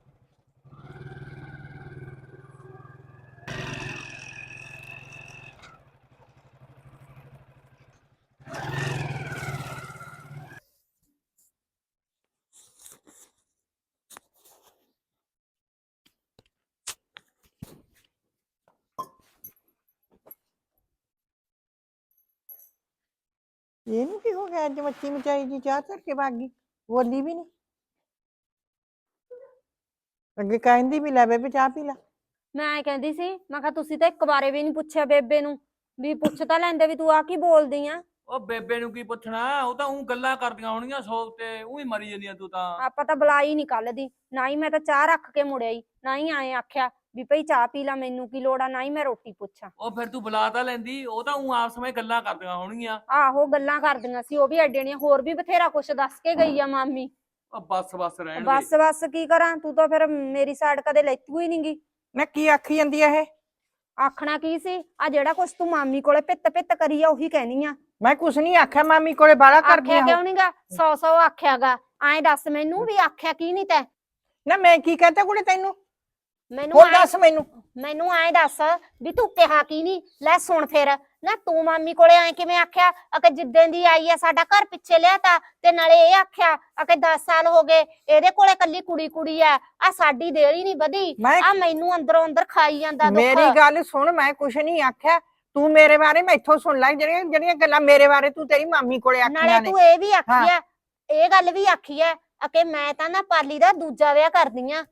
D: ਇਹਨੂੰ ਕੀ ਹੋ ਗਿਆ ਅੱਜ ਮੱਛੀ ਮਚਾਈ ਜੀ ਚਾਹ ਧਰ ਕੇ ਭੱਗ ਗਈ, ਬੋਲੀ ਵੀ ਨਹੀਂ। ਅੱਗੇ ਕਹਿੰਦੀ ਵੀ ਲੈ ਬੇਬੇ ਚਾਹ ਪੀ ਲੈ।
A: ਮੈਂ ਕਹਿੰਦੀ ਸੀ, ਮੈਂ ਕਿਹਾ ਤੁਸੀਂ ਤਾਂ ਇੱਕ ਵਾਰੇ ਵੀ ਨਹੀਂ ਪੁੱਛਿਆ ਬੇਬੇ ਨੂੰ ਵੀ ਪੁੱਛ ਤਾਂ ਲੈਂਦੇ ਵੀ ਤੂੰ ਆ ਕੀ ਬੋਲਦੀ ਆ।
B: ਉਹ ਬੇਬੇ ਨੂੰ ਕੀ ਪੁੱਛਣਾ, ਉਹ ਤਾਂ ਉਹ ਗੱਲਾਂ ਕਰਦੀਆਂ ਹੋਣਗੀਆਂ ਸੌ ਤੇ ਉਹੀ ਮਰੀ ਜਾਂਦੀਆਂ ਤੂੰ ਤਾਂ।
A: ਆਪਾਂ ਤਾਂ ਬੁਲਾਈ ਨਹੀਂ ਕੱਲ ਦੀ, ਨਾ ਹੀ ਮੈਂ ਤਾਂ ਚਾਹ ਰੱਖ ਕੇ ਮੁੜਿਆ ਹੀ, ਨਾ ਹੀ ਆਏ ਆਖਿਆ ਵੀ ਭਈ ਚਾਹ ਪੀ ਲਾ, ਮੈਨੂੰ ਕੀ ਲੋੜ ਆ, ਨਾ ਹੀ ਮੈਂ ਰੋਟੀ ਪੁੱਛਾਂ।
B: ਉਹ ਫਿਰ ਤੂੰ ਬੁਲਾ ਤਾਂ ਲੈਂਦੀ, ਉਹ ਤਾਂ ਉਹ ਆਪਸ ਵਿੱਚ ਗੱਲਾਂ ਕਰਦੀਆਂ ਹੋਣਗੀਆਂ।
A: ਆਹੋ ਗੱਲਾਂ ਕਰਦੀਆਂ ਸੀ, ਉਹ ਵੀ ਐਡੇ ਨੇ, ਹੋਰ ਵੀ ਬਥੇਰਾ ਕੁਛ ਦੱਸ ਕੇ ਗਈ ਆ ਮਾਮੀ।
B: ਉਹ ਬੱਸ ਬੱਸ ਰਹਿਣ ਦੇ।
A: ਬਸ ਬਸ ਕੀ ਕਰਾਂ, ਤੂੰ ਤਾਂ ਫਿਰ ਮੇਰੀ ਸਾਈਡ ਕਦੇ ਲੈਤੂ ਹੀ ਨੀ ਗੀ।
D: ਨਾ ਕੀ ਆਖੀ ਜਾਂਦੀ ਆ ਇਹ?
A: ਆਖਣਾ ਕੀ ਸੀ, ਆ ਜਿਹੜਾ ਕੁਛ ਤੂੰ ਮਾਮੀ ਕੋਲੇ ਪਿੱਤ ਪਿੱਤ ਕਰੀ ਆ ਉਹੀ ਕਹਿਨੀ ਆ।
D: ਮੈਂ ਕੁਛ ਨਹੀਂ ਆਖਿਆ, ਮਾਮੀ ਕੋਲੇ ਬਾਲਾ ਕਰਦੀ
A: ਆਖਿਆ
D: ਆ।
A: ਕਿਉਂ ਨੀਗਾ, ਸੌ ਸੌ ਆਖਿਆਗਾ। ਐਂ ਦੱਸ ਮੈਨੂੰ ਵੀ ਆਖਿਆ ਕੀ ਨਹੀਂ ਤੈਂ?
D: ਨਾ ਮੈਂ ਕੀ ਕਹਤਾ ਕੁੜੇ ਤੈਨੂੰ?
A: ਮੈਨੂੰ
D: ਹੋਰ
A: ਐਂ-
D: ਦੱਸ ਮੈਨੂੰ
A: ਮੈਨੂੰ ਐਂ ਦੱਸ ਵੀ ਤੂੰ ਕਿਹਾ ਕੀ ਨਹੀਂ ਲੈ ਸੁਣ ਫਿਰ ਨਾ ਤੂੰ ਮਾਮੀ ਕੋਲੇ ਐ ਕਿਵੇਂ ਆਖਿਆ ਅਕੇ ਜਿੱਦਾਂ ਦੀ ਆਈ ਆ ਸਾਡਾ ਘਰ ਪਿੱਛੇ ਲਿਆਤਾ ਤੇ ਨਾਲੇ ਇਹ ਆਖਿਆ ਅਕੇ ਦਸ ਸਾਲ ਹੋ ਗਏ ਇਹਦੇ ਕੋਲੇ ਕੱਲੀ ਕੁੜੀ ਕੁੜੀ ਆ ਆ ਸਾਡੀ ਦੇਰੀ ਨਹੀਂ ਵਧੀ
D: ਮੈਂ
A: ਆ ਮੈਨੂੰ ਅੰਦਰੋਂ ਅੰਦਰ ਖਾਈ ਜਾਂਦਾ ਦੁੱਖ
D: ਮੇਰੀ ਗੱਲ ਸੁਣ ਮੈਂ ਕੁਛ ਨਹੀਂ ਆਖਿਆ ਤੂੰ ਮੇਰੇ ਬਾਰੇ ਮੈਥੋਂ ਸੁਣ ਲੈ ਜਿਹੜੀਆਂ ਜਿਹੜੀਆਂ ਗੱਲਾਂ ਮੇਰੇ ਬਾਰੇ ਤੂੰ ਤੇਰੀ ਮਾਮੀ ਕੋਲੇ ਆਖੀਆਂ
A: ਨਾਲੇ
D: ਨੇ
A: ਤੂੰ ਇਹ ਵੀ ਆਖੀ ਆ ਇਹ ਗੱਲ ਵੀ ਆਖੀ ਆ ਅਕੇ ਮੈਂ ਤਾਂ ਨਾ ਪਾਲੀ ਦਾ ਦੂਜਾ ਵਿਆਹ ਕਰਦੀ ਆ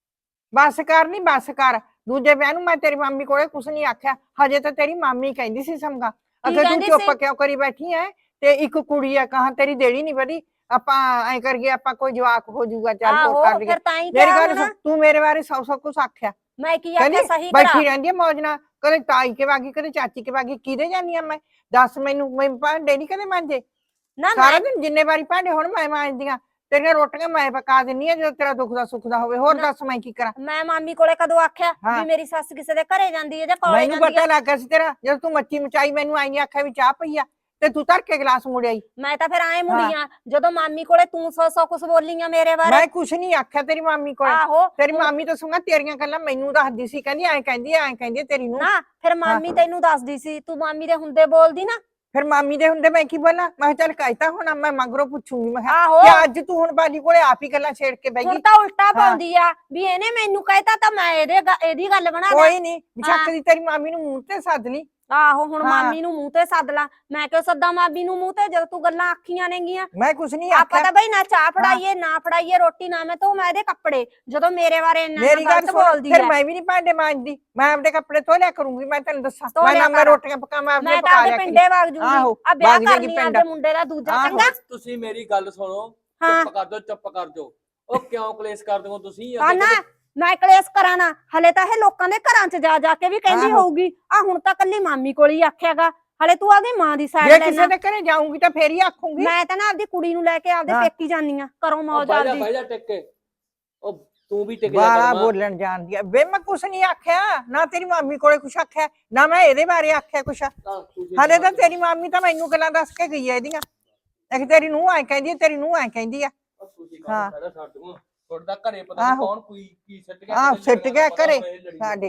D: ਬਸ ਕਰ ਨੀ ਬਸ ਕਰ ਦੂਜੇ ਵਿਆਹ ਨੂੰ ਮੈਂ ਤੇਰੀ ਮਾਮੀ ਕੋਲੇ ਕੁਛ ਨਹੀਂ ਆਖਿਆ ਹਜੇ ਤਾਂ ਤੇਰੀ ਮਾਮੀ ਕਹਿੰਦੀ ਸੀ ਸਮਗਾ ਅਗੇ ਤੂੰ
A: ਕਹਿੰਦੀ
D: ਚੁੱਪ
A: ਸੀ?
D: ਕਿਉਂ ਕਰੀ ਬੈਠੀ ਐ ਤੇ ਇੱਕ ਕੁੜੀ ਆ ਕਹਾਂ ਤੇਰੀ ਦੇੜੀ ਨਹੀਂ ਵਧੀ ਆਪਾਂ ਐ ਕਰਕੇ ਆਪਾਂ ਕੋਈ ਜਵਾਕ ਹੋ ਜਾਊਗਾ ਚੱਲ
A: ਆਹੋ
D: ਹੋਰ ਕਰ ਲਈਏ
A: ਫਿਰ ਤਾਂ ਹੀ
D: ਮੇਰੀ
A: ਕਿਹਾ
D: ਗੱਲ
A: ਹੁਣ
D: ਸੁਣ ਤੂੰ ਮੇਰੇ ਬਾਰੇ ਸੌ ਸੌ ਕੁਛ ਆਖਿਆ
A: ਮੈਂ ਕੀ ਆਖਿਆ
D: ਕਹਿੰਦੀ
A: ਸਹੀ ਕਰਾ
D: ਬੈਠੀ ਰਹਿੰਦੀ ਆ ਮੌਜ ਨਾਲ ਕਦੇ ਤਾਈ ਕੇ ਵਾਗੀ ਕਦੇ ਚਾਚੀ ਕੇ ਵਾਗੀ ਕਿਹਦੇ ਜਾਨੀ ਆ ਮੈਂ ਦੱਸ ਮੈਨੂੰ ਮੈਂ ਭਾਂਡੇ ਨਹੀਂ ਕਦੇ ਮਾਂਜੇ
A: ਨਾ
D: ਸਾਰਾ
A: ਮੈਂ
D: ਦਿਨ ਜਿੰਨੇ ਵਾਰੀ ਭਾਂਡੇ ਹੁਣ ਮੈਂ ਮਾਂਜਦੀਆਂ ਤੇਰੀਆਂ ਰੋਟੀਆਂ ਮੈਂ ਪਕਾ ਦਿੰਨੀ ਆ ਜਦੋਂ ਤੇਰਾ ਦੁੱਖ ਦਾ ਸੁੱਖ ਦਾ ਹੋਵੇ ਹੋਰ
A: ਨਾ।
D: ਦੱਸ ਮੈਂ ਕੀ ਕਰਾਂ
A: ਮੈਂ ਮਾਮੀ ਕੋਲੇ ਕਦੋਂ ਆਖਿਆ
D: ਹਾਂ।
A: ਵੀ ਮੇਰੀ ਸੱਸ ਕਿਸੇ ਦੇ ਘਰੇ ਜਾਂਦੀ ਹੈ ਜਾਂ ਕੋਲੇ
D: ਮੈਨੂੰ
A: ਜਾਂਦੀ
D: ਪਤਾ
A: ਹੈ
D: ਲੱਗ ਗਿਆ ਸੀ ਤੇਰਾ ਜਦੋਂ ਤੂੰ ਮੱਚੀ ਮਚਾਈ ਮੈਨੂੰ ਆਈ ਨਹੀਂ ਆਖਿਆ ਵੀ ਚਾਹ ਪਈ ਆ ਤੇ ਤੂੰ ਧਰ ਕੇ ਗਲਾਸ ਮੁੜਿਆਈ
A: ਮੈਂ ਤਾਂ ਫਿਰ ਐ ਮੁੜੀਆਂ ਜਦੋਂ ਮਾਮੀ ਕੋਲੇ ਤੂੰ ਸੌ ਸੌ ਕੁਛ ਬੋਲੀਆਂ ਮੇਰੇ ਬਾਰੇ
D: ਮੈਂ ਕੁਛ ਨਹੀਂ ਆਖਿਆ ਤੇਰੀ ਮਾਮੀ ਕੋਲ
A: ਆਹੋ
D: ਤੇਰੀ ਮਾਮੀ ਤਾਂ ਸੁਣਾ ਤੇਰੀਆਂ ਗੱਲਾਂ ਮੈਨੂੰ ਦੱਸਦੀ ਸੀ ਕਹਿੰਦੀ ਐਂ ਕਹਿੰਦੀ ਐਂ ਕਹਿੰਦੀ ਤੇਰੀ ਨੂੰ
A: ਨਾ ਫਿਰ ਮਾਮੀ ਤੈਨੂੰ ਦੱਸਦੀ ਸੀ ਤੂੰ ਮਾਮੀ ਦੇ ਹੁੰਦੇ ਬੋਲਦੀ ਨਾ
D: ਫਿਰ ਮਾਮੀ ਦੇ ਹੁੰਦੇ ਮੈਂ ਕੀ ਬੋਲਾਂ ਮੈਂ ਕਿਹਾ ਚੱਲ ਕਹਿਤਾ ਹੁਣ ਮੈਂ ਮਗਰੋਂ ਪੁੱਛੂਗੀ ਮੈਂ ਕਿਹਾ
A: ਆਹੋ
D: ਕਿ ਅੱਜ ਤੂੰ ਹੁਣ ਬਾਲੀ ਕੋਲੇ ਆਪ ਹੀ ਗੱਲਾਂ ਛੇੜ ਕੇ ਬੈਠੀ
A: ਹੁਣ ਤਾਂ ਉਲਟਾ ਪਾਉਂਦੀ ਆ ਵੀ ਇਹਨੇ ਮੈਨੂੰ ਕਹਿਤਾ ਤਾਂ ਮੈਂ ਇਹਦੇ ਗ- ਇਹਦੀ ਗੱਲ ਬਣਾ ਦਾਂ
D: ਕੋਈ ਨਹੀਂ ਬਿਸ਼ੱਕ ਦੀ ਤੇਰੀ ਮਾਮੀ ਨੂੰ ਮੂੰਹ ਤੇ ਸੱਦ ਲਈ
A: ਆਹੋ ਹੁਣ
D: ਹਾਂ।
A: ਮਾਮੀ ਨੂੰ ਮੂੰਹ ਤੇ ਸੱਦ ਲਾ ਮੈਂ ਕਿਉਂ ਸੱਦਾ ਮਾਮੀ ਨੂੰ ਮੂੰਹ ਤੇ ਜਦੋਂ ਤੂੰ ਗੱਲਾਂ ਆਖੀਆਂ ਨੇਗੀਆਂ
D: ਮੈਂ ਕੁਛ ਨਹੀਂ
A: ਆਪਾਂ
D: ਆਖਿਆ
A: ਤਾਂ ਬਈ ਨਾ ਚਾਹ ਫੜਾਈਏ ਨਾ ਫੜਾਈਏ ਰੋਟੀ ਨਾ ਮੈਂ ਤੂੰ ਮੈਂ ਇਹਦੇ ਕੱਪੜੇ ਜਦੋਂ ਮੇਰੇ ਬਾਰੇ ਇੰਨਾ
D: ਮੇਰੀ
A: ਇੰਨਾ
D: ਗੱਲ
A: ਗਲਤ
D: ਸੁਣ
A: ਬੋਲਦੀ
D: ਫਿਰ
A: ਆ
D: ਮੈਂ ਵੀ ਨਹੀਂ ਭਾਂਡੇ ਮਾਂਜਦੀ ਮੈਂ ਆਪਦੇ ਕੱਪੜੇ ਧੋ ਲਿਆ ਕਰੂੰਗੀ ਮੈਂ ਤੈਨੂੰ ਦੱਸਾਂ
A: ਧੋ
D: ਮੈਂ
A: ਲਿਆ
D: ਨਾ ਮੈਂ
A: ਕਰ।
D: ਰੋਟੀਆਂ ਪਕਾਵਾਂ ਆਪਦੇ
A: ਮੈਂ ਤਾਂ
D: ਪਕਾ
A: ਆਪਦੇ
D: ਲਿਆ
A: ਪਿੰਡੇ ਵਗ ਜੂਗੀ
D: ਆਹੋ,
A: ਆ ਵਿਆਹ
D: ਵਗ ਜਾਏਗੀ
A: ਕਰਨੀ
D: ਪਿੰਡ।
A: ਆਪਦੇ ਮੁੰਡੇ ਦਾ ਦੂਜਾ
D: ਆਹੋ।
A: ਚੰਗਾ
B: ਬਸ ਤੁਸੀਂ ਮੇਰੀ ਗੱਲ ਸੁਣੋ
A: ਹਾਂ।
B: ਚੁੱਪ ਕਰ ਜਾਓ ਚੁੱਪ ਕਰ ਜਾਓ ਉਹ ਕਿਉਂ ਕਲੇਸ਼ ਕਰਦੇ ਹੋ ਤੁਸੀਂ
A: ਆ ਨਾ ਮੈਂ ਕਲੇਸ਼ ਕਰਾਂ ਨਾ ਹਲੇ ਤਾਂ ਇਹ ਲੋਕਾਂ ਦੇ ਘਰਾਂ 'ਚ ਜਾ ਜਾ ਕੇ ਵੀ ਕਹਿੰਦੀ
D: ਆਹੋ।
A: ਹੋਊਗੀ ਆ ਹੁਣ ਤਾਂ ਕੱਲੀ ਮਾਮੀ ਕੋਲ ਹੀ ਆਖਿਆਗਾ ਹਲੇ ਤੂੰ ਆਪਦੀ ਮਾਂ ਦੀ
D: ਜੇ
A: ਸਾਈਡ
D: ਕਿਸੇ
A: ਲੈਣਾ
D: ਦੇ ਘਰੇ ਜਾਊਂਗੀ ਤਾਂ ਫੇਰ ਹੀ ਆਖੂੰਗੀ
A: ਮੈਂ ਤਾਂ ਨਾ ਆਪਦੀ ਕੁੜੀ ਨੂੰ ਲੈ ਕੇ ਆਪਦੇ
D: ਹਾਂ।
A: ਪੇਕੀ ਜਾਨੀ ਆ ਕਰੋ
B: ਉਹ
A: ਮੌਜ
B: ਬਾਈ ਜਾ
A: ਆਪਦੀ
B: ਬਾਈ ਜਾ ਟਿਕ ਕੇ ਉਹ ਤੂੰ ਵੀ ਟਿਕ ਜਾ
D: ਬਾਲਾ
B: ਕਰ ਮਾਂ।
D: ਬੋਲਣ ਜਾਣਦੀ ਆ ਵੇ ਮੈਂ ਕੁਛ ਨਹੀਂ ਆਖਿਆ ਨਾ ਤੇਰੀ ਮਾਮੀ ਕੋਲੇ ਕੁਛ ਆਖਿਆ ਨਾ ਮੈਂ ਇਹਦੇ ਬਾਰੇ ਆਖਿਆ ਕੁਛ
B: ਤਾਂ ਤੁਸੀਂ
D: ਹਾਲੇ ਤਾਂ ਤੇਰੀ ਮਾਮੀ ਤਾਂ ਮੈਨੂੰ ਗੱਲਾਂ ਦੱਸ ਕੇ ਗਈ ਐ ਇਹਦੀਆਂ ਇੱਕ ਤੇਰੀ ਨੂੰਹ ਐ ਕਹਿੰਦੀ ਆ ਤੇਰੀ ਨੂੰਹ ਐ ਕਹਿੰਦੀ ਆ
B: ਉਹ ਤੁਸੀਂ
D: ਹਾਂ।
B: ਕਾਹਦਾ ਖੜਾ ਛੱਡ ਦੂੰ ਤੁਹਾਡਾ ਘਰੇ ਪਤਾ ਨਹੀਂ
D: ਆਹੋ।
B: ਕੌਣ ਕੋਈ ਕੀ ਸਿੱਟ ਗਿਆ
D: ਆਹ
B: ਕਿਤੇ
D: ਸਿੱਟ ਗਿਆ
B: ਪਤਾ
D: ਘਰੇ
B: ਹੋਵੇ ਇਹ ਲੜੀ
D: ਸਾਡੇ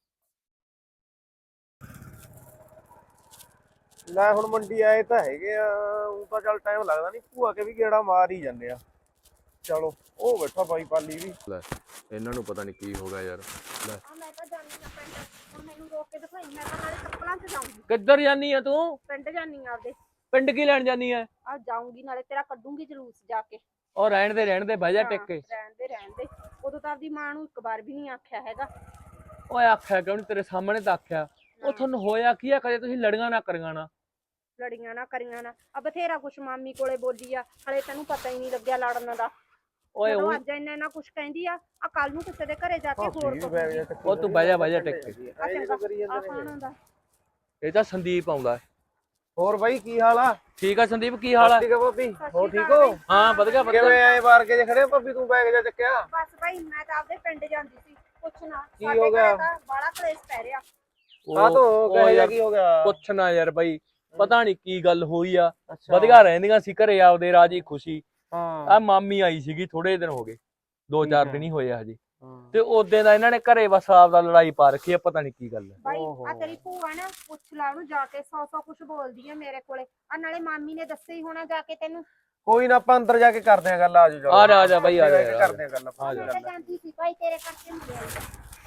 E: ਲੈ ਹੁਣ ਮੰਡੀ ਆਏ ਤਾਂ ਹੈਗੇ ਆ ਉਹ ਤਾਂ ਚੱਲ ਟਾਈਮ ਲੱਗਦਾ ਨਹੀਂ ਭੂਆ ਕੇ ਵੀ ਗੇੜਾ ਮਾਰ ਹੀ ਜਾਂਦੇ ਆ ਚਲੋ ਉਹ ਬੈਠਾ ਬਾਈ ਪਾਲੀ ਵੀ
F: ਲੈ ਇਹਨਾਂ ਨੂੰ ਪਤਾ ਨਹੀਂ ਕੀ ਹੋ ਗਿਆ ਯਾਰ ਲੈ
A: ਆ ਮੈਂ ਤਾਂ ਜਾਨੀ ਆ ਪਿੰਡ ਹੁਣ ਮੈਨੂੰ ਰੋਕ ਕੇ ਦਿਖਾਈ ਮੈਂ ਤਾਂ ਨਾਲੇ ਕੱਪੜਾਂ 'ਚ ਜਾਊਂਗੀ
B: ਕਿੱਧਰ ਜਾਨੀ ਆ ਤੂੰ
A: ਪਿੰਡ ਜਾਨੀ ਆ ਆਪਦੇ
B: ਪਿੰਡ ਕੀ ਲੈਣ ਜਾਨੀ ਆ
A: ਆ ਜਾਊਂਗੀ ਨਾਲੇ ਤੇਰਾ ਕੱਢੂੰਗੀ ਜਲੂਸ ਜਾ ਕੇ
B: ਉਹ ਰਹਿਣ ਦੇ ਰਹਿਣ ਦੇ ਬਹਿ ਜਾ
A: ਹਾਂ,
B: ਟਿਕ ਕੇ
A: ਰਹਿਣ ਦੇ ਰਹਿਣ ਦੇ ਉਦੋਂ ਤਾਂ ਆਪਦੀ ਮਾਂ ਨੂੰ ਇੱਕ ਵਾਰ ਵੀ ਨਹੀਂ ਆਖਿਆ ਹੈਗਾ
B: ਓਏ ਆਖਿਆ ਕਿਉਂ ਨੀ ਤੇਰੇ ਸਾਹਮਣੇ ਤਾਂ ਆਖਿਆ ਉਹ ਤੁਹਾਨੂੰ ਹੋਇਆ ਕੀ ਆ ਕਦੇ ਤੁਸੀਂ ਲੜੀਆਂ ਨਾ ਕਰੀਆਂ ਨਾ
A: ਲੜੀਆਂ ਨਾ ਕਰੀਆਂ ਨਾ ਆ ਬਥੇਰਾ ਕੁਛ ਮਾਮੀ ਕੋਲੇ ਬੋਲੀ ਆ ਹਲੇ ਤੈਨੂੰ ਪਤਾ ਹੀ ਨਹੀਂ ਲੱਗਿਆ ਲੜਨ ਦਾ
B: ਓਏ
A: ਜਦੋਂ
B: ਉਹ
A: ਅੱਜ ਇੰਨਾ ਇੰਨਾ ਕੁਛ ਕਹਿੰਦੀ ਆ ਆ ਕੱਲ ਨੂੰ ਕਿਸੇ ਦੇ ਘਰੇ ਜਾ ਕੇ ਹੋਰ
E: ਵੀ ਬੈਗ ਜਿਹਾ
A: ਕਹੂਗੀ
E: ਚੱਕੀ
B: ਉਹ ਤੂੰ ਬਹਿ ਜਾ ਬਹਿ ਜਾ ਟਿਕ ਕੇ
A: ਆ
E: ਇਹ
A: ਚੰਗਾ
E: ਕਰੀ
A: ਆ
E: ਜਾਂਦੇ
A: ਖਾਣਾ
E: ਨੇ
A: ਦਾ
B: ਇਹ ਤਾਂ ਸੰਦੀਪ ਆਉਂਦਾ
E: ਹੋਰ ਬਾਈ ਕੀ ਹਾਲ ਆ
B: ਠੀਕ ਆ ਸੰਦੀਪ ਕੀ ਹਾਲ ਆ
E: ਠੀਕ ਆ ਭਾਬੀ
A: ਸਤਿ
E: ਹੋਰ
A: ਸ਼੍ਰੀ
E: ਠੀਕ
A: ਅਕਾਲ
E: ਹੋ
B: ਹਾਂ ਵਧੀਆ
E: ਕਿਵੇਂ
B: ਵਧੀਆ
E: ਆਏ ਮਾਰ ਕੇ ਜੇ ਖੜੇ ਹੋ ਭਾਬੀ ਤੂੰ ਬੈਗ ਜਿਹਾ ਚੱਕਿਆ
A: ਬਸ ਭਾਈ ਮੈਂ ਤਾਂ ਆਪਦੇ ਪਿੰਡ ਜਾਂਦੀ ਸੀ ਪੁੱਛਣਾ
E: ਕੀ ਹੋ ਗਿਆ?
A: ਤਾਂ ਬੜਾ ਕਲੇਸ਼ ਪੈ ਰਿਹਾ
E: ਆ ਤੋ
B: ਉਹ
E: ਕਹੇ
B: ਯਾਰ
E: ਕੀ ਹੋ ਗਿਆ
B: ਪੁੱਛਣਾ ਯਾਰ ਬਾਈ ਪਤਾ ਨਹੀਂ ਕੀ ਗੱਲ ਹੋਈ ਆ
E: ਅੱਛਾ
B: ਵਧੀਆ ਰਹਿੰਦੀਆਂ ਸੀ ਘਰੇ ਆਪਦੇ ਰਾਜੀ ਖੁਸ਼ੀ
E: ਹਾਂ
B: ਆ ਮਾਮੀ ਆਈ ਸੀਗੀ ਥੋੜੇ ਦਿਨ ਹੋ ਗਏ ਦੋ
E: ਠੀਕ
B: ਚਾਰ
E: ਹੈ।
B: ਦਿਨ ਹੀ ਹੋਏ ਆ ਹਜੇ
E: ਹਾਂ।
B: ਤੇ ਉਹਦੇ ਦਾ ਇਹਨਾਂ ਨੇ ਘਰੇ ਬਸ ਆਪਦਾ ਲੜਾਈ ਪਾ ਰੱਖੀ ਆ ਪਤਾ ਨਹੀਂ ਕੀ ਗੱਲ ਹੈ
A: ਭਾਈ
E: ਓਹੋ।
A: ਆ ਤੇਰੀ ਭੂਆ ਨਾ ਪੁੱਛ ਲਾ ਉਹਨੂੰ ਜਾ ਕੇ ਸੌ ਸੌ ਕੁਛ ਬੋਲਦੀ ਆ ਮੇਰੇ ਕੋਲੇ ਆ ਨਾਲੇ ਮਾਮੀ ਨੇ ਦੱਸਿਆ ਹੀ ਹੋਣਾ ਜਾ ਕੇ ਤੈਨੂੰ
E: ਕੋਈ ਨਾ ਆਪਾਂ ਅੰਦਰ ਜਾ ਕੇ ਕਰਦੇ ਆ ਗੱਲ ਆਜੋ
B: ਆ ਜਾ ਆ ਜਾ ਬਾਈ ਆ ਜਾ
E: ਬਹਿ ਕੇ
B: ਯਾਰ।
E: ਕਰਦੇ ਆ ਗੱਲ ਆਪਾਂ
B: ਆ ਜਾ।
A: ਮੈਂ ਤਾਂ ਜਾਂਦੀ ਸੀ ਭਾਈ ਤੇਰੇ ਕਰਕੇ ਮਿਲਿਆ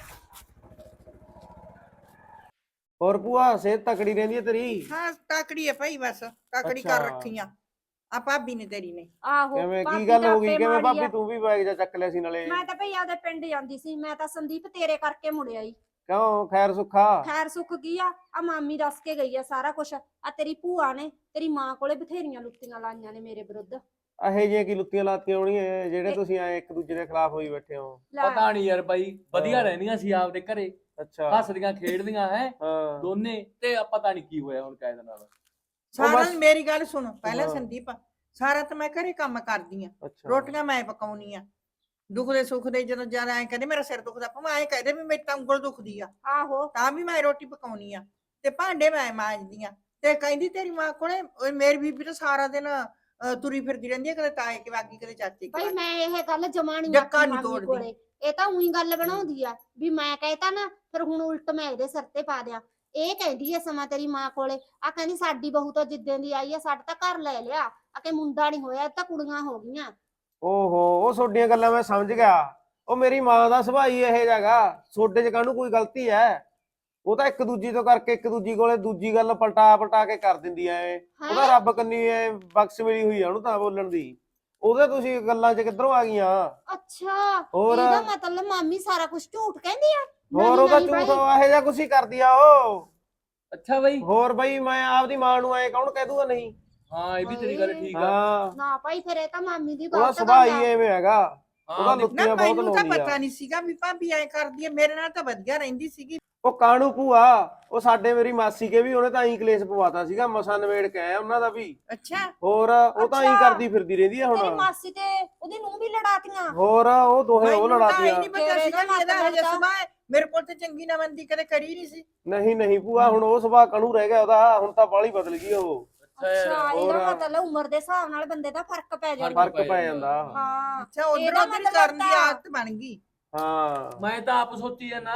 E: ਹੋਰ ਭੂਆ ਸਿਹਤ ਤਕੜੀ ਰਹਿੰਦੀ ਹੈ ਤੇਰੀ
D: ਹਾਂ ਤਾਕੜੀ ਹੈ ਭਾਈ ਬਸ ਤਾਕੜੀ ਕਰ
E: ਅੱਛਾ।
D: ਰੱਖੀਆਂ ਆ ਭਾਬੀ ਨੇ ਤੇਰੀ ਨੇ
A: ਆਹੋ
E: ਕਿਵੇਂ
A: ਭਾਬੀ
E: ਕੀ ਗੱਲ
A: ਤਾਂ
E: ਹੋ ਗਈ
A: ਆਪੇ
E: ਕਿਵੇਂ
A: ਮਾੜੀ
E: ਭਾਬੀ
A: ਆ।
E: ਤੂੰ ਵੀ ਬੈਗ ਜਿਹਾ ਚੱਕ ਲਿਆ ਸੀ ਨਾਲੇ
A: ਮੈਂ ਤਾਂ ਭਈ ਆਪਦੇ ਪਿੰਡ ਜਾਂਦੀ ਸੀ ਮੈਂ ਤਾਂ ਸੰਦੀਪ ਤੇਰੇ ਕਰਕੇ ਮੁੜਿਆ ਈ
E: ਕਿਉਂ ਖੈਰ ਸੁੱਖਾ
A: ਖੈਰ ਸੁੱਖ ਕੀ ਆ ਆ ਮਾਮੀ ਦੱਸ ਕੇ ਗਈ ਆ ਸਾਰਾ ਕੁਛ ਆ ਤੇਰੀ ਭੂਆ ਨੇ ਤੇਰੀ ਮਾਂ ਕੋਲੇ ਬਥੇਰੀਆਂ ਲੁੱਟੀਆਂ ਲਾਈਆਂ ਨੇ ਮੇਰੇ ਵਿਰੁੱਧ
E: ਇਹੋ ਜਿਹੀਆਂ ਕੀ ਲੁੱਤੀਆਂ ਲਾਤੀਆਂ ਹੋਣੀਆਂ ਜਿਹੜੇ
A: ਇਹ-
E: ਤੁਸੀਂ ਆਏ ਇੱਕ ਦੂਜੇ ਦੇ ਖਿਲਾਫ ਹੋਈ ਬੈਠੇ ਹੋ
A: ਲੈ,
B: ਪਤਾ ਨਹੀਂ ਯਾਰ ਬਾਈ ਵਧੀਆ
E: ਹਾਂ।
B: ਰਹਿੰਦੀਆਂ ਸੀ ਆਪਦੇ ਘਰੇ
E: ਅੱਛਾ
B: ਹੱਸਦੀਆਂ ਖੇਡਦੀਆਂ ਹੈ
E: ਹਾਂ
B: ਦੋਨੇ ਤੇ ਆ ਪਤਾ ਨਹੀਂ ਕੀ ਹੋਇਆ ਹੁਣ ਕਾਇਦ ਨਾਲ
D: ਸਾਰਾ
E: ਬਸ-
D: ਮੇਰੀ ਗੱਲ ਸੁਣ ਪਹਿਲਾਂ
E: ਹਾਂ।
D: ਸੰਦੀਪ ਸਾਰਾ ਤਾਂ ਮੈਂ ਘਰੇ ਕੰਮ ਕਰਦੀ ਆ
E: ਅੱਛਾ
D: ਰੋਟੀਆਂ ਮੈਂ ਪਕਾਉਣੀ ਆ ਦੁੱਖ ਦੇ ਸੁੱਖ ਦੇ ਜਦੋਂ ਜਿਆਦਾ ਐ ਕਹਿੰਦੇ ਮੇਰਾ ਸਿਰ ਦੁਖਦਾ ਭਾਵੇਂ ਐ ਕਹਦੇ ਵੀ ਮੇਰੀ ਤਾਂ ਉਂਗਲ ਦੁਖਦੀ ਆ
A: ਆਹੋ
D: ਤਾਂ ਵੀ ਮੈਂ ਰੋਟੀ ਪਕਾਉਣੀ ਆ ਤੇ ਭਾਂਡੇ ਮੈਂ ਮਾਂਜਦੀ ਆ ਤੇ ਕਹਿੰਦੀ ਤੇਰੀ ਮਾਂ ਕੋਲੇ ਓਏ ਮੇਰੀ ਬੀਬੀ ਤਾਂ ਸਾਰਾ ਦਿਨ ਅਹ, ਤੁਰੀ ਫਿਰਦੀ ਰਹਿੰਦੀ ਹੈ ਕਦੇ ਤਾਏ ਕੇ ਵਾਗੀ ਕਦੇ ਚਾਚੇ ਕੇ
A: ਭਾਈ
D: ਵਾਗੀ।
A: ਮੈਂ ਇਹ ਗੱਲ ਜਮਾਣੀ
D: ਡੱਕਾ ਨੀ
A: ਮਾਮੀ
D: ਤੋੜਦੀ।
A: ਕੋਲੇ ਇਹ ਤਾਂ ਉਹੀ ਗੱਲ ਬਣਾਉਂਦੀ ਆ ਵੀ ਮੈਂ ਕਹਿਤਾ ਨਾ ਫਿਰ ਹੁਣ ਉਲਟ ਮੈਂ ਇਹਦੇ ਸਿਰ ਤੇ ਪਾ ਦਿਆਂ। ਇਹ ਕਹਿੰਦੀ ਐ ਸਮਾਂ ਤੇਰੀ ਮਾਂ ਕੋਲੇ ਆ ਕਹਿੰਦੀ ਸਾਡੀ ਬਹੂ ਤਾਂ ਜਿੱਦਾਂ ਦੀ ਆਈ ਆ ਸਾਡਾ ਤਾਂ ਘਰ ਲੈ ਲਿਆ ਆ ਕਿ ਮੁੰਡਾ ਨਹੀਂ ਹੋਇਆ ਇਹ ਤਾਂ ਕੁੜੀਆਂ ਹੋ ਗਈਆਂ।
E: ਓਹੋ ਉਹ ਤੁਹਾਡੀਆਂ ਗੱਲਾਂ ਮੈਂ ਸਮਝ ਗਿਆ। ਉਹ ਮੇਰੀ ਮਾਂ ਦਾ ਸੁਭਾਅ ਹੀ ਇਹ ਜਗਾ, ਤੁਹਾਡੇ ਚ ਕਾਹਨੂੰ ਕੋਈ ਗਲਤੀ ਹੈ। ਉਹ ਤਾਂ ਇੱਕ ਦੂਜੀ ਤੋਂ ਕਰਕੇ ਇੱਕ ਦੂਜੀ ਕੋਲੇ ਦੂਜੀ ਗੱਲ ਪਲਟਾ ਪਲਟਾ ਕੇ ਕਰ ਦਿੰਦੀ ਐ। ਉਹਦਾ
A: ਹੈਂ?
E: ਰੱਬ ਕੰਨੀ ਐ ਬਖਸ਼ ਮਿਲੀ ਹੋਈ ਆ ਉਹਨੂੰ ਤਾਂ ਬੋਲਣ ਦੀ। ਉਹਦੇ ਤੁਸੀਂ ਗੱਲਾਂ ਚ ਕਿੱਧਰੋਂ ਆ ਗਈਆਂ?
A: ਅੱਛਾ
E: ਹੋਰ
A: ਇਹਦਾ ਮਤਲਬ ਮਾਮੀ ਸਾਰਾ ਕੁਝ ਝੂਠ ਕਹਿੰਦੀ ਆ।
E: ਹੋਰ
A: ਨਹੀਂ,
E: ਉਹਦਾ
A: ਨਹੀਂ
E: ਝੂਠ
A: ਬਾਈ।
E: ਇਹੋ ਜਿਹਾ ਕੁਛ ਹੀ ਕਰਦੀ ਆ ਉਹ।
B: ਅੱਛਾ ਬਈ
E: ਹੋਰ ਬਈ ਮੈਂ ਆਪਦੀ ਮਾਂ ਨੂੰ ਐ ਕੌਣ ਕਹਿ ਦੂਗਾ ਨਹੀਂ।
B: ਹਾਂ ਇਹ ਵੀ ਤੇਰੀ ਗੱਲ ਠੀਕ ਆ।
E: ਹਾਂ
A: ਨਾ ਭਾਈ ਫਿਰ ਇਹ ਤਾਂ ਮਾਮੀ ਦੀ
E: ਉਹਦਾ
A: ਗਲਤ
E: ਸੁਭਾਅ
A: ਗੱਲ
E: ਹੀ
A: ਆ।
E: ਐਵੇਂ ਹੈਗਾ।
B: ਹਾਂ
E: ਉਹਦਾ
B: ਉਹਦੀ-
E: ਲੁੱਤੀਆਂ
D: ਨਾ
E: ਬਹੁਤ
D: ਮੈਨੂੰ ਤਾਂ
E: ਲਾਉਂਦੀ
D: ਪਤਾ
E: ਆ।
D: ਨਹੀਂ ਸੀਗਾ ਵੀ ਭਾਬੀ ਐ ਕਰਦੀ ਹੈ, ਮੇਰੇ ਨਾਲ ਤਾਂ ਵਧੀਆ ਰਹਿੰਦੀ ਸੀਗੀ।
E: ਉਹ ਕਾਣੂ ਭੂਆ ਉਹ ਸਾਡੇ ਮੇਰੀ ਮਾਸੀ ਕੇ ਵੀ ਉਹਨੇ ਤਾਂ ਐਂ ਕਲੇਸ਼ ਪਵਾਤਾ ਸੀਗਾ ਮਸਾਂ ਨਵੇੜ ਕੇ ਆਇਆ ਉਹਨਾਂ ਦਾ ਵੀ।
D: ਅੱਛਾ
E: ਹੋਰ ਉਹ ਤਾਂ ਐਂ
A: ਅੱਛਾ।
E: ਕਰਦੀ ਫਿਰਦੀ ਰਹਿੰਦੀ ਆ
A: ਤੇਰੀ
E: ਹੁਣ।
A: ਮਾਸੀ ਤੇ ਉਹਦੀ ਨੂੰਹ ਵੀ ਲੜਾਤੀਆਂ।
E: ਹੋਰ ਉਹ ਦੋਹੇ ਉਹ
D: ਮੈਨੂੰ ਤਾਂ ਇਹ
E: ਲੜਾਤੀਆਂ।
D: ਨਹੀਂ ਪਤਾ
A: ਫਿਰ
D: ਸੀਗਾ
A: ਇਹਦਾ
D: ਵੀ ਇਹਦਾ
A: ਮਤਲਬ
D: ਹਜੇ
A: ਤਾਂ-
D: ਸੁਭਾਅ ਹੈ। ਮੇਰੇ ਕੋਲ ਤੇ ਚੰਗੀ ਨਾ ਬੰਦੀ ਕਦੇ ਕਰੀ ਨਹੀਂ ਸੀ।
E: ਨਹੀਂ ਨਹੀਂ ਭੂਆ ਹੁਣ ਉਹ ਸੁਭਾਅ ਕਾਣੂ ਰਹਿ ਗਿਆ ਉਹਦਾ, ਹੁਣ ਤਾਂ ਬਾਹਲੀ ਬਦਲ ਗਈ ਉਹ।
A: ਅੱਛਾ
E: ਹੋਰ।
A: ਇਹਦਾ ਮਤਲਬ ਉਮਰ ਦੇ ਹਿਸਾਬ ਨਾਲ ਬੰਦੇ ਦਾ ਫਰਕ ਪੈ ਜਾਂਦਾ।
E: ਫਰਕ ਪੈ ਜਾਂਦਾ।
A: ਹਾਂ
D: ਅੱਛਾ ਉਧਰ
A: ਇਹਦਾ
D: ਉਧਰ
A: ਮਤਲਬ
D: ਕਰਨ ਦੀ
A: ਤਾਂ-
D: ਆਦਤ ਬਣ ਗਈ।
E: ਹਾਂ
B: ਮੈਂ ਤਾਂ ਆਪ ਸੋਚੀ ਜਾਂਦਾ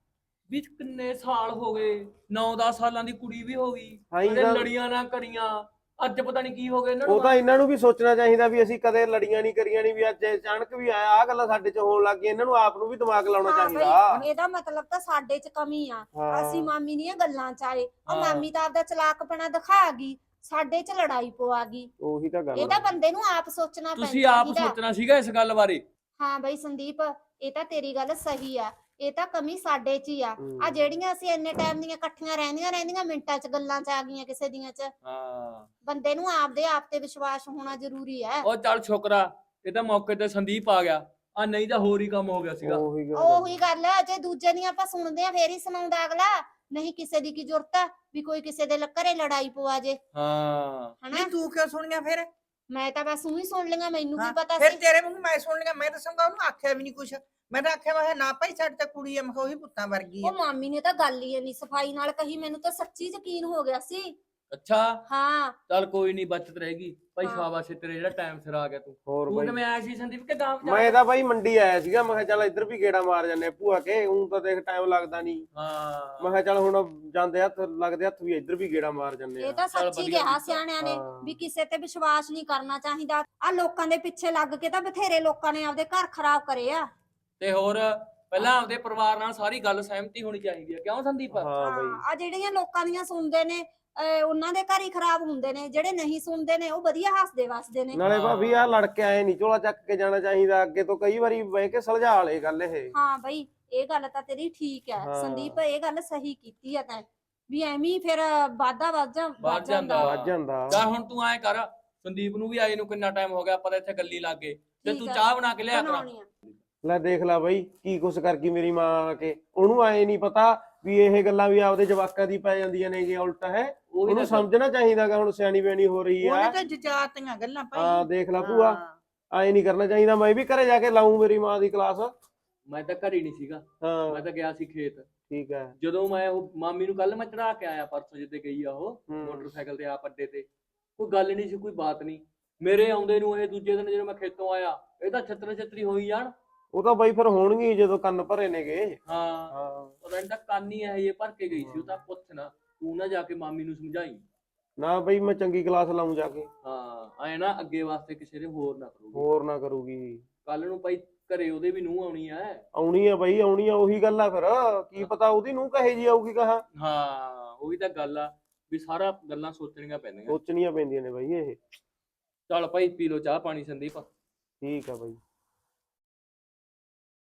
B: ਵੀ ਕਿੰਨੇ ਸਾਲ ਹੋ ਗਏ ਨੌ ਦਸ ਸਾਲਾਂ ਦੀ ਕੁੜੀ ਵੀ ਹੋ ਗਈ
E: ਹਾਂ ਜੀ
B: ਕਦੇ
E: ਤਾਂ-
B: ਲੜੀਆਂ ਨਾ ਕਰੀਆਂ ਅੱਜ ਪਤਾ ਨਹੀਂ ਕੀ ਹੋ ਗਿਆ ਇਹਨਾਂ ਨੂੰ।
E: ਉਹ ਤਾਂ ਇਹਨਾਂ ਨੂੰ ਵੀ ਸੋਚਣਾ ਚਾਹੀਦਾ ਵੀ ਅਸੀਂ ਕਦੇ ਲੜੀਆਂ ਨਹੀਂ ਕਰੀਆਂ ਨਹੀਂ, ਵੀ ਅੱਜ ਅਚਾਨਕ ਵੀ ਆਇਆ ਆ ਗੱਲਾਂ ਸਾਡੇ ਚ ਹੋਣ ਲੱਗ ਗਈਆਂ। ਇਹਨਾਂ ਨੂੰ ਆਪ ਨੂੰ ਵੀ ਦਿਮਾਗ ਲਾਉਣਾ
A: ਹਾਂ
E: ਚਾਹੀਦਾ।
A: ਬਈ ਇਹਦਾ ਮਤਲਬ ਤਾਂ ਸਾਡੇ ਚ ਕਮੀ ਆ।
E: ਹਾਂ।
A: ਅਸੀਂ ਮਾਮੀ ਦੀਆਂ ਗੱਲਾਂ ਚ ਆਏ ਉਹ
B: ਹਾਂ।
A: ਮਾਮੀ ਤਾਂ ਆਪਦਾ ਚਲਾਕਪਣਾ ਦਿਖਾ ਗਈ ਸਾਡੇ ਚ ਲੜਾਈ ਪਵਾ ਗਈ।
E: ਉਹੀ ਤਾਂ ਗੱਲ
A: ਇਹ
E: ਆ।
A: ਤਾਂ ਬੰਦੇ ਨੂੰ ਆਪ ਸੋਚਣਾ ਪੈਂਦਾ।
B: ਤੁਸੀਂ ਆਪ ਸੋਚਣਾ ਸੀਗਾ ਇਸ ਗੱਲ ਬਾਰੇ।
A: ਹਾਂ ਬਈ ਸੰਦੀਪ ਇਹ ਤਾਂ ਤੇਰੀ ਗੱਲ ਸਹੀ ਆ। ਇਹ ਤਾਂ ਕਮੀ ਸਾਡੇ ਚ ਹੀ ਆ।
E: ਹੂੰ।
A: ਆ ਜਿਹੜੀਆਂ ਅਸੀਂ ਇੰਨੇ ਟਾਈਮ ਦੀਆਂ ਇਕੱਠੀਆਂ ਰਹਿੰਦੀਆਂ ਰਹਿੰਦੀਆਂ ਮਿੰਟਾਂ ਚ ਗੱਲਾਂ ਚ ਆ ਗਈਆਂ ਕਿਸੇ ਦੀਆਂ ਚ।
B: ਹਾਂ
A: ਬੰਦੇ ਨੂੰ ਆਪਦੇ ਆਪ ਤੇ ਵਿਸ਼ਵਾਸ ਹੋਣਾ ਜ਼ਰੂਰੀ ਹੈ।
B: ਉਹ ਚੱਲ ਸ਼ੁਕਰਾ ਇਹ ਤਾਂ ਮੌਕੇ ਤੇ ਸੰਦੀਪ ਆ ਗਿਆ ਆ ਨਹੀਂ ਤਾਂ ਹੋਰ ਹੀ ਕੰਮ ਹੋ ਗਿਆ ਸੀਗਾ।
E: ਉਹੀ ਗੱਲ ਆ।
A: ਉਹੀ ਗੱਲ ਹੈ ਜੇ ਦੂਜੇ ਦੀਆਂ ਆਪਾਂ ਸੁਣਦੇ ਆ ਫੇਰ ਹੀ ਸੁਣਾਉਂਦਾ ਅਗਲਾ। ਨਹੀਂ ਕਿਸੇ ਦੀ ਕੀ ਜ਼ਰੂਰਤ ਆ ਵੀ ਕੋਈ ਕਿਸੇ ਦੇ ਘਰੇ ਲੜਾਈ ਪਵਾ ਜੇ
B: ਹਾਂ
A: ਹਨਾ।
D: ਨਹੀਂ ਤੂੰ ਕਿਉਂ ਸੁਣੀਆਂ ਫਿਰ?
A: ਮੈਂ ਤਾਂ ਬਸ ਉਹੀ ਸੁਣ ਲਈਆਂ ਮੈਨੂੰ ਕੀ
D: ਹਾਂ,
A: ਪਤਾ
D: ਫਿਰ
A: ਸੀ।
D: ਤੇਰੇ ਮੂੰਹ ਮੈਂ ਸੁਣ ਲਿਆ। ਮੈਂ ਦੱਸਾਂਗਾ ਉਹਨੂੰ ਆਖਿਆ ਵੀ ਨਹੀਂ ਕੁਛ। ਮੈਂ ਤਾਂ ਆਖਿਆ ਮੈਂ ਕਿਹਾ ਨਾ ਭਾਈ ਸਾਡੇ ਤਾਂ ਕੁੜੀ ਆ, ਮੈਂ ਕਿਹਾ ਉਹੀ ਪੁੱਤਾਂ ਵਰਗੀ ਆ।
A: ਉਹ ਮਾਮੀ ਨੇ ਤਾਂ ਗੱਲ ਹੀ ਨਹੀਂ ਸਫਾਈ ਨਾਲ ਕਹੀ। ਮੈਨੂੰ ਤਾਂ ਸੱਚੀ ਯਕੀਨ ਹੋ ਗਿਆ ਸੀ।
B: ਅੱਛਾ
A: ਹਾਂ
B: ਚੱਲ ਕੋਈ ਨਹੀਂ ਬਚਤ ਰਹੇਗੀ ਭਾਈ।
A: ਹਾਂ।
B: ਸ਼ਾਬਾਸ਼ ਏ ਤੇਰੇ ਜਿਹੜਾ ਟਾਈਮ ਸਿਰ ਆ ਗਿਆ ਤੂੰ।
E: ਹੋਰ
B: ਤੂੰ
E: ਬਈ
B: ਕਿਵੇਂ ਆਇਆ ਸੀ ਸੰਦੀਪ ਕਿ ਗਾਂਵ
E: ਮੈਂ ਤਾਂ ਬਾਈ ਮੰਡੀ ਆਇਆ ਸੀਗਾ। ਮੈਂ ਕਿਹਾ ਚੱਲ ਇੱਧਰ ਵੀ ਗੇੜਾ ਮਾਰ ਜਾਂਦੇ ਆ ਭੂਆ ਕੇ। ਉਂ ਤਾਂ ਦੇਖ ਟਾਈਮ ਲੱਗਦਾ ਨਹੀਂ।
B: ਹਾਂ
E: ਮੈਂ ਕਿਹਾ ਚੱਲ ਹੁਣ ਜਾਂਦੇ ਹੱਥ ਲੱਗਦੇ ਹੱਥ ਵੀ ਇੱਧਰ ਵੀ ਗੇੜਾ ਮਾਰ ਜਾਂਦੇ
A: ਇਹ
E: ਆ।
A: ਤਾਂ
B: ਚੱਲ
A: ਸੱਚੀ
B: ਵਧੀਆ
A: ਕਿਹਾ
B: ਕੀਤਾ।
A: ਸਿਆਣਿਆਂ ਨੇ
E: ਹਾਂ।
A: ਵੀ ਕਿਸੇ ਤੇ ਵਿਸ਼ਵਾਸ ਨਹੀਂ ਕਰਨਾ ਚਾਹੀਦਾ। ਆ ਲੋਕਾਂ ਦੇ ਪਿੱਛੇ ਲੱਗ ਕੇ ਤਾਂ ਬਥੇਰੇ ਲੋਕਾਂ ਨੇ ਆਪਦੇ ਘਰ ਖਰਾਬ ਕਰੇ ਆ।
B: ਤੇ ਹੋਰ ਪਹਿਲਾਂ ਆਪਦੇ ਪਰਿਵਾਰ ਨਾਲ ਸਾਰੀ ਗੱਲ ਸਹਿਮਤੀ ਹੋਣੀ ਚਾਹੀਦੀ ਹੈ ਕਿਉਂ ਸੰਦੀਪ?
E: ਹਾਂ ਬਈ
A: ਆ ਜਿਹੜੀਆਂ ਲੋਕਾਂ ਦੀਆਂ ਸੁਣਦੇ ਨੇ ਅਹ ਉਹਨਾਂ ਦੇ ਘਰ ਹੀ ਖਰਾਬ ਹੁੰਦੇ ਨੇ। ਜਿਹੜੇ ਨਹੀਂ ਸੁਣਦੇ ਨੇ ਉਹ ਵਧੀਆ ਹੱਸਦੇ ਵਸਦੇ ਨੇ।
E: ਨਾਲੇ
B: ਹਾਂ।
E: ਭਾਬੀ ਆ ਲੜ ਕੇ ਆਏ ਨਹੀਂ ਝੋਲਾ ਚੱਕ ਕੇ ਜਾਣਾ ਚਾਹੀਦਾ। ਅੱਗੇ ਤੋਂ ਕਈ ਵਾਰੀ ਬਹਿ ਕੇ ਸੁਲਝਾ ਲੇ ਗੱਲ ਇਹ।
A: ਹਾਂ ਬਈ ਇਹ ਗੱਲ ਤਾਂ ਤੇਰੀ ਠੀਕ ਹੈ
E: ਹਾਂ।
A: ਸੰਦੀਪ ਇਹ ਗੱਲ ਸਹੀ ਕੀਤੀ ਹੈ ਤੈਂ ਵੀ ਐਵੇਂ ਹੀ ਫਿਰ ਵਾਧਾ ਵੱਧ ਜਾ-
B: ਵੱਧ
A: ਵੱਧ ਜਾਂਦਾ
B: ਜਾਂਦਾ।
E: ਵੱਜ ਜਾਂਦਾ।
B: ਚੱਲ ਹੁਣ ਤੂੰ ਐਂ ਕਰ ਸੰਦੀਪ ਨੂੰ ਵੀ ਆਏ ਨੂੰ ਕਿੰਨਾ ਟਾਈਮ ਹੋ ਗਿਆ ਆਪਾਂ ਤਾਂ ਇੱਥੇ ਗੱਲੀ ਲੱਗ ਗਏ ਤੇ
A: ਠੀਕ
B: ਤੂੰ
A: ਆ।
B: ਚਾਹ ਬਣਾ ਕੇ ਲਿਆ ਕਰਾਂ।
A: ਬਣਾਉਣੀ ਆ।
E: ਲੈ ਦੇਖ ਲੈ ਬਈ ਕੀ ਕੁਛ ਕਰ ਗਈ ਮੇਰੀ ਮਾਂ ਆ ਕੇ। ਉਹਨੂੰ ਆਏ ਨਹੀਂ ਪਤਾ ਵੀ ਇਹ ਗੱਲਾਂ ਵੀ ਆਪਦੇ ਜਵਾਕਾਂ ਦੀ ਪੈ ਜਾਂਦੀਆਂ ਨੇ ਕਿ ਉਲਟ ਹੈ।
B: ਉਹੀ
E: ਉਹਨੂੰ
B: ਤਾਂ
E: ਸਮਝਣਾ ਚਾਹੀਦਾਗਾ ਹੁਣ ਸਿਆਣੀ ਬਿਆਣੀ ਹੋ ਰਹੀ
D: ਉਹਨੇ
E: ਆ।
D: ਤਾਂ ਜਜਾਤੀਆਂ ਗੱਲਾਂ ਭਾਈ।
E: ਹਾਂ ਦੇਖ ਲੈ ਭੂਆ
D: ਹਾਂ।
E: ਆਏ ਨਹੀਂ ਕਰਨਾ ਚਾਹੀਦਾ। ਮੈਂ ਵੀ ਘਰੇ ਜਾ ਕੇ ਲਾਉਂ ਮੇਰੀ ਮਾਂ ਦੀ ਕਲਾਸ।
B: ਮੈਂ ਤਾਂ ਘਰ ਹੀ ਨਹੀਂ ਸੀਗਾ।
E: ਹਾਂ
B: ਮੈਂ ਤਾਂ ਗਿਆ ਸੀ ਖੇਤ।
E: ਠੀਕ ਹੈ।
B: ਜਦੋਂ ਮੈਂ ਉਹ ਮਾਮੀ ਨੂੰ ਕੱਲ ਮੈਂ ਚੜਾ ਕੇ ਆਇਆ ਪਰਸੋਂ ਜਿੱਦੇ ਗਈ ਆ ਉਹ
E: ਹੂੰ।
B: ਮੋਟਰਸਾਈਕਲ ਤੇ ਆਪ ਅੱਡੇ ਤੇ ਕੋਈ ਗੱਲ ਨਹੀਂ ਸੀ ਕੋਈ ਬਾਤ ਨਹੀਂ। ਮੇਰੇ ਆਉਂਦੇ ਨੂੰ ਇਹ ਦੂਜੇ ਦਿਨ ਜਦੋਂ ਮੈਂ ਖੇਤੋਂ ਆਇਆ ਇਹ ਤਾਂ ਛੱਤਰ ਛੱਤਰੀ ਹੋਈ ਜਾਣ।
E: ਉਹ ਤਾਂ ਬਈ ਫਿਰ ਹੋਣਗੇ ਹੀ ਜਦੋਂ ਕੰਨ ਭਰੇ ਨੇਗੇ।
B: ਹਾਂ
E: ਹਾਂ
B: ਪਤਾ ਨਹੀਂ ਤਾਂ ਕੰਨ ਹੀ ਇਹ ਭਰ ਕੇ ਗਈ ਸੀ। ਉਹ ਤਾਂ ਪੁੱਛ ਨਾ ਤੂੰ ਨਾ ਜਾ ਕੇ ਮਾਮੀ ਨੂੰ ਸਮਝਾਈ।
E: ਨਾ ਬਈ ਮੈਂ ਚੰਗੀ ਕਲਾਸ ਲਾਉਂ ਜਾ ਕੇ।
B: ਹਾਂ ਐ ਨਾ ਅੱਗੇ ਵਾਸਤੇ ਕਿਸੇ ਨੇ ਹੋਰ ਨਾ ਕਰੂਗੀ।
E: ਹੋਰ ਨਾ ਕਰੂਗੀ।
B: ਕੱਲ ਨੂੰ ਭਾਈ ਘਰੇ ਉਹਦੇ ਵੀ ਨੂੰਹ ਆਉਣੀ ਐ।
E: ਆਉਣੀ ਆ ਬਈ ਆਉਣੀ ਆ। ਉਹੀ ਗੱਲ ਆ ਫਿਰ ਕੀ ਪਤਾ ਉਹਦੀ ਨੂੰ ਕਹੇ ਜੀ ਆਊਗੀ ਕਹਾ।
B: ਹਾਂ ਉਹੀ ਤਾਂ ਗੱਲ ਆ ਵੀ ਸਾਰਾ ਗੱਲਾਂ ਸੋਚਣੀਆਂ ਪੈਂਦੀਆਂ।
E: ਸੋਚਣੀਆਂ ਪੈਂਦੀਆਂ ਨੇ ਬਈ ਇਹ।
B: ਚੱਲ ਭਾਈ ਪੀ ਲੋ ਚਾਹ ਪਾਣੀ ਸੰਦੀਪ।
E: ਠੀਕ ਆ ਬਈ।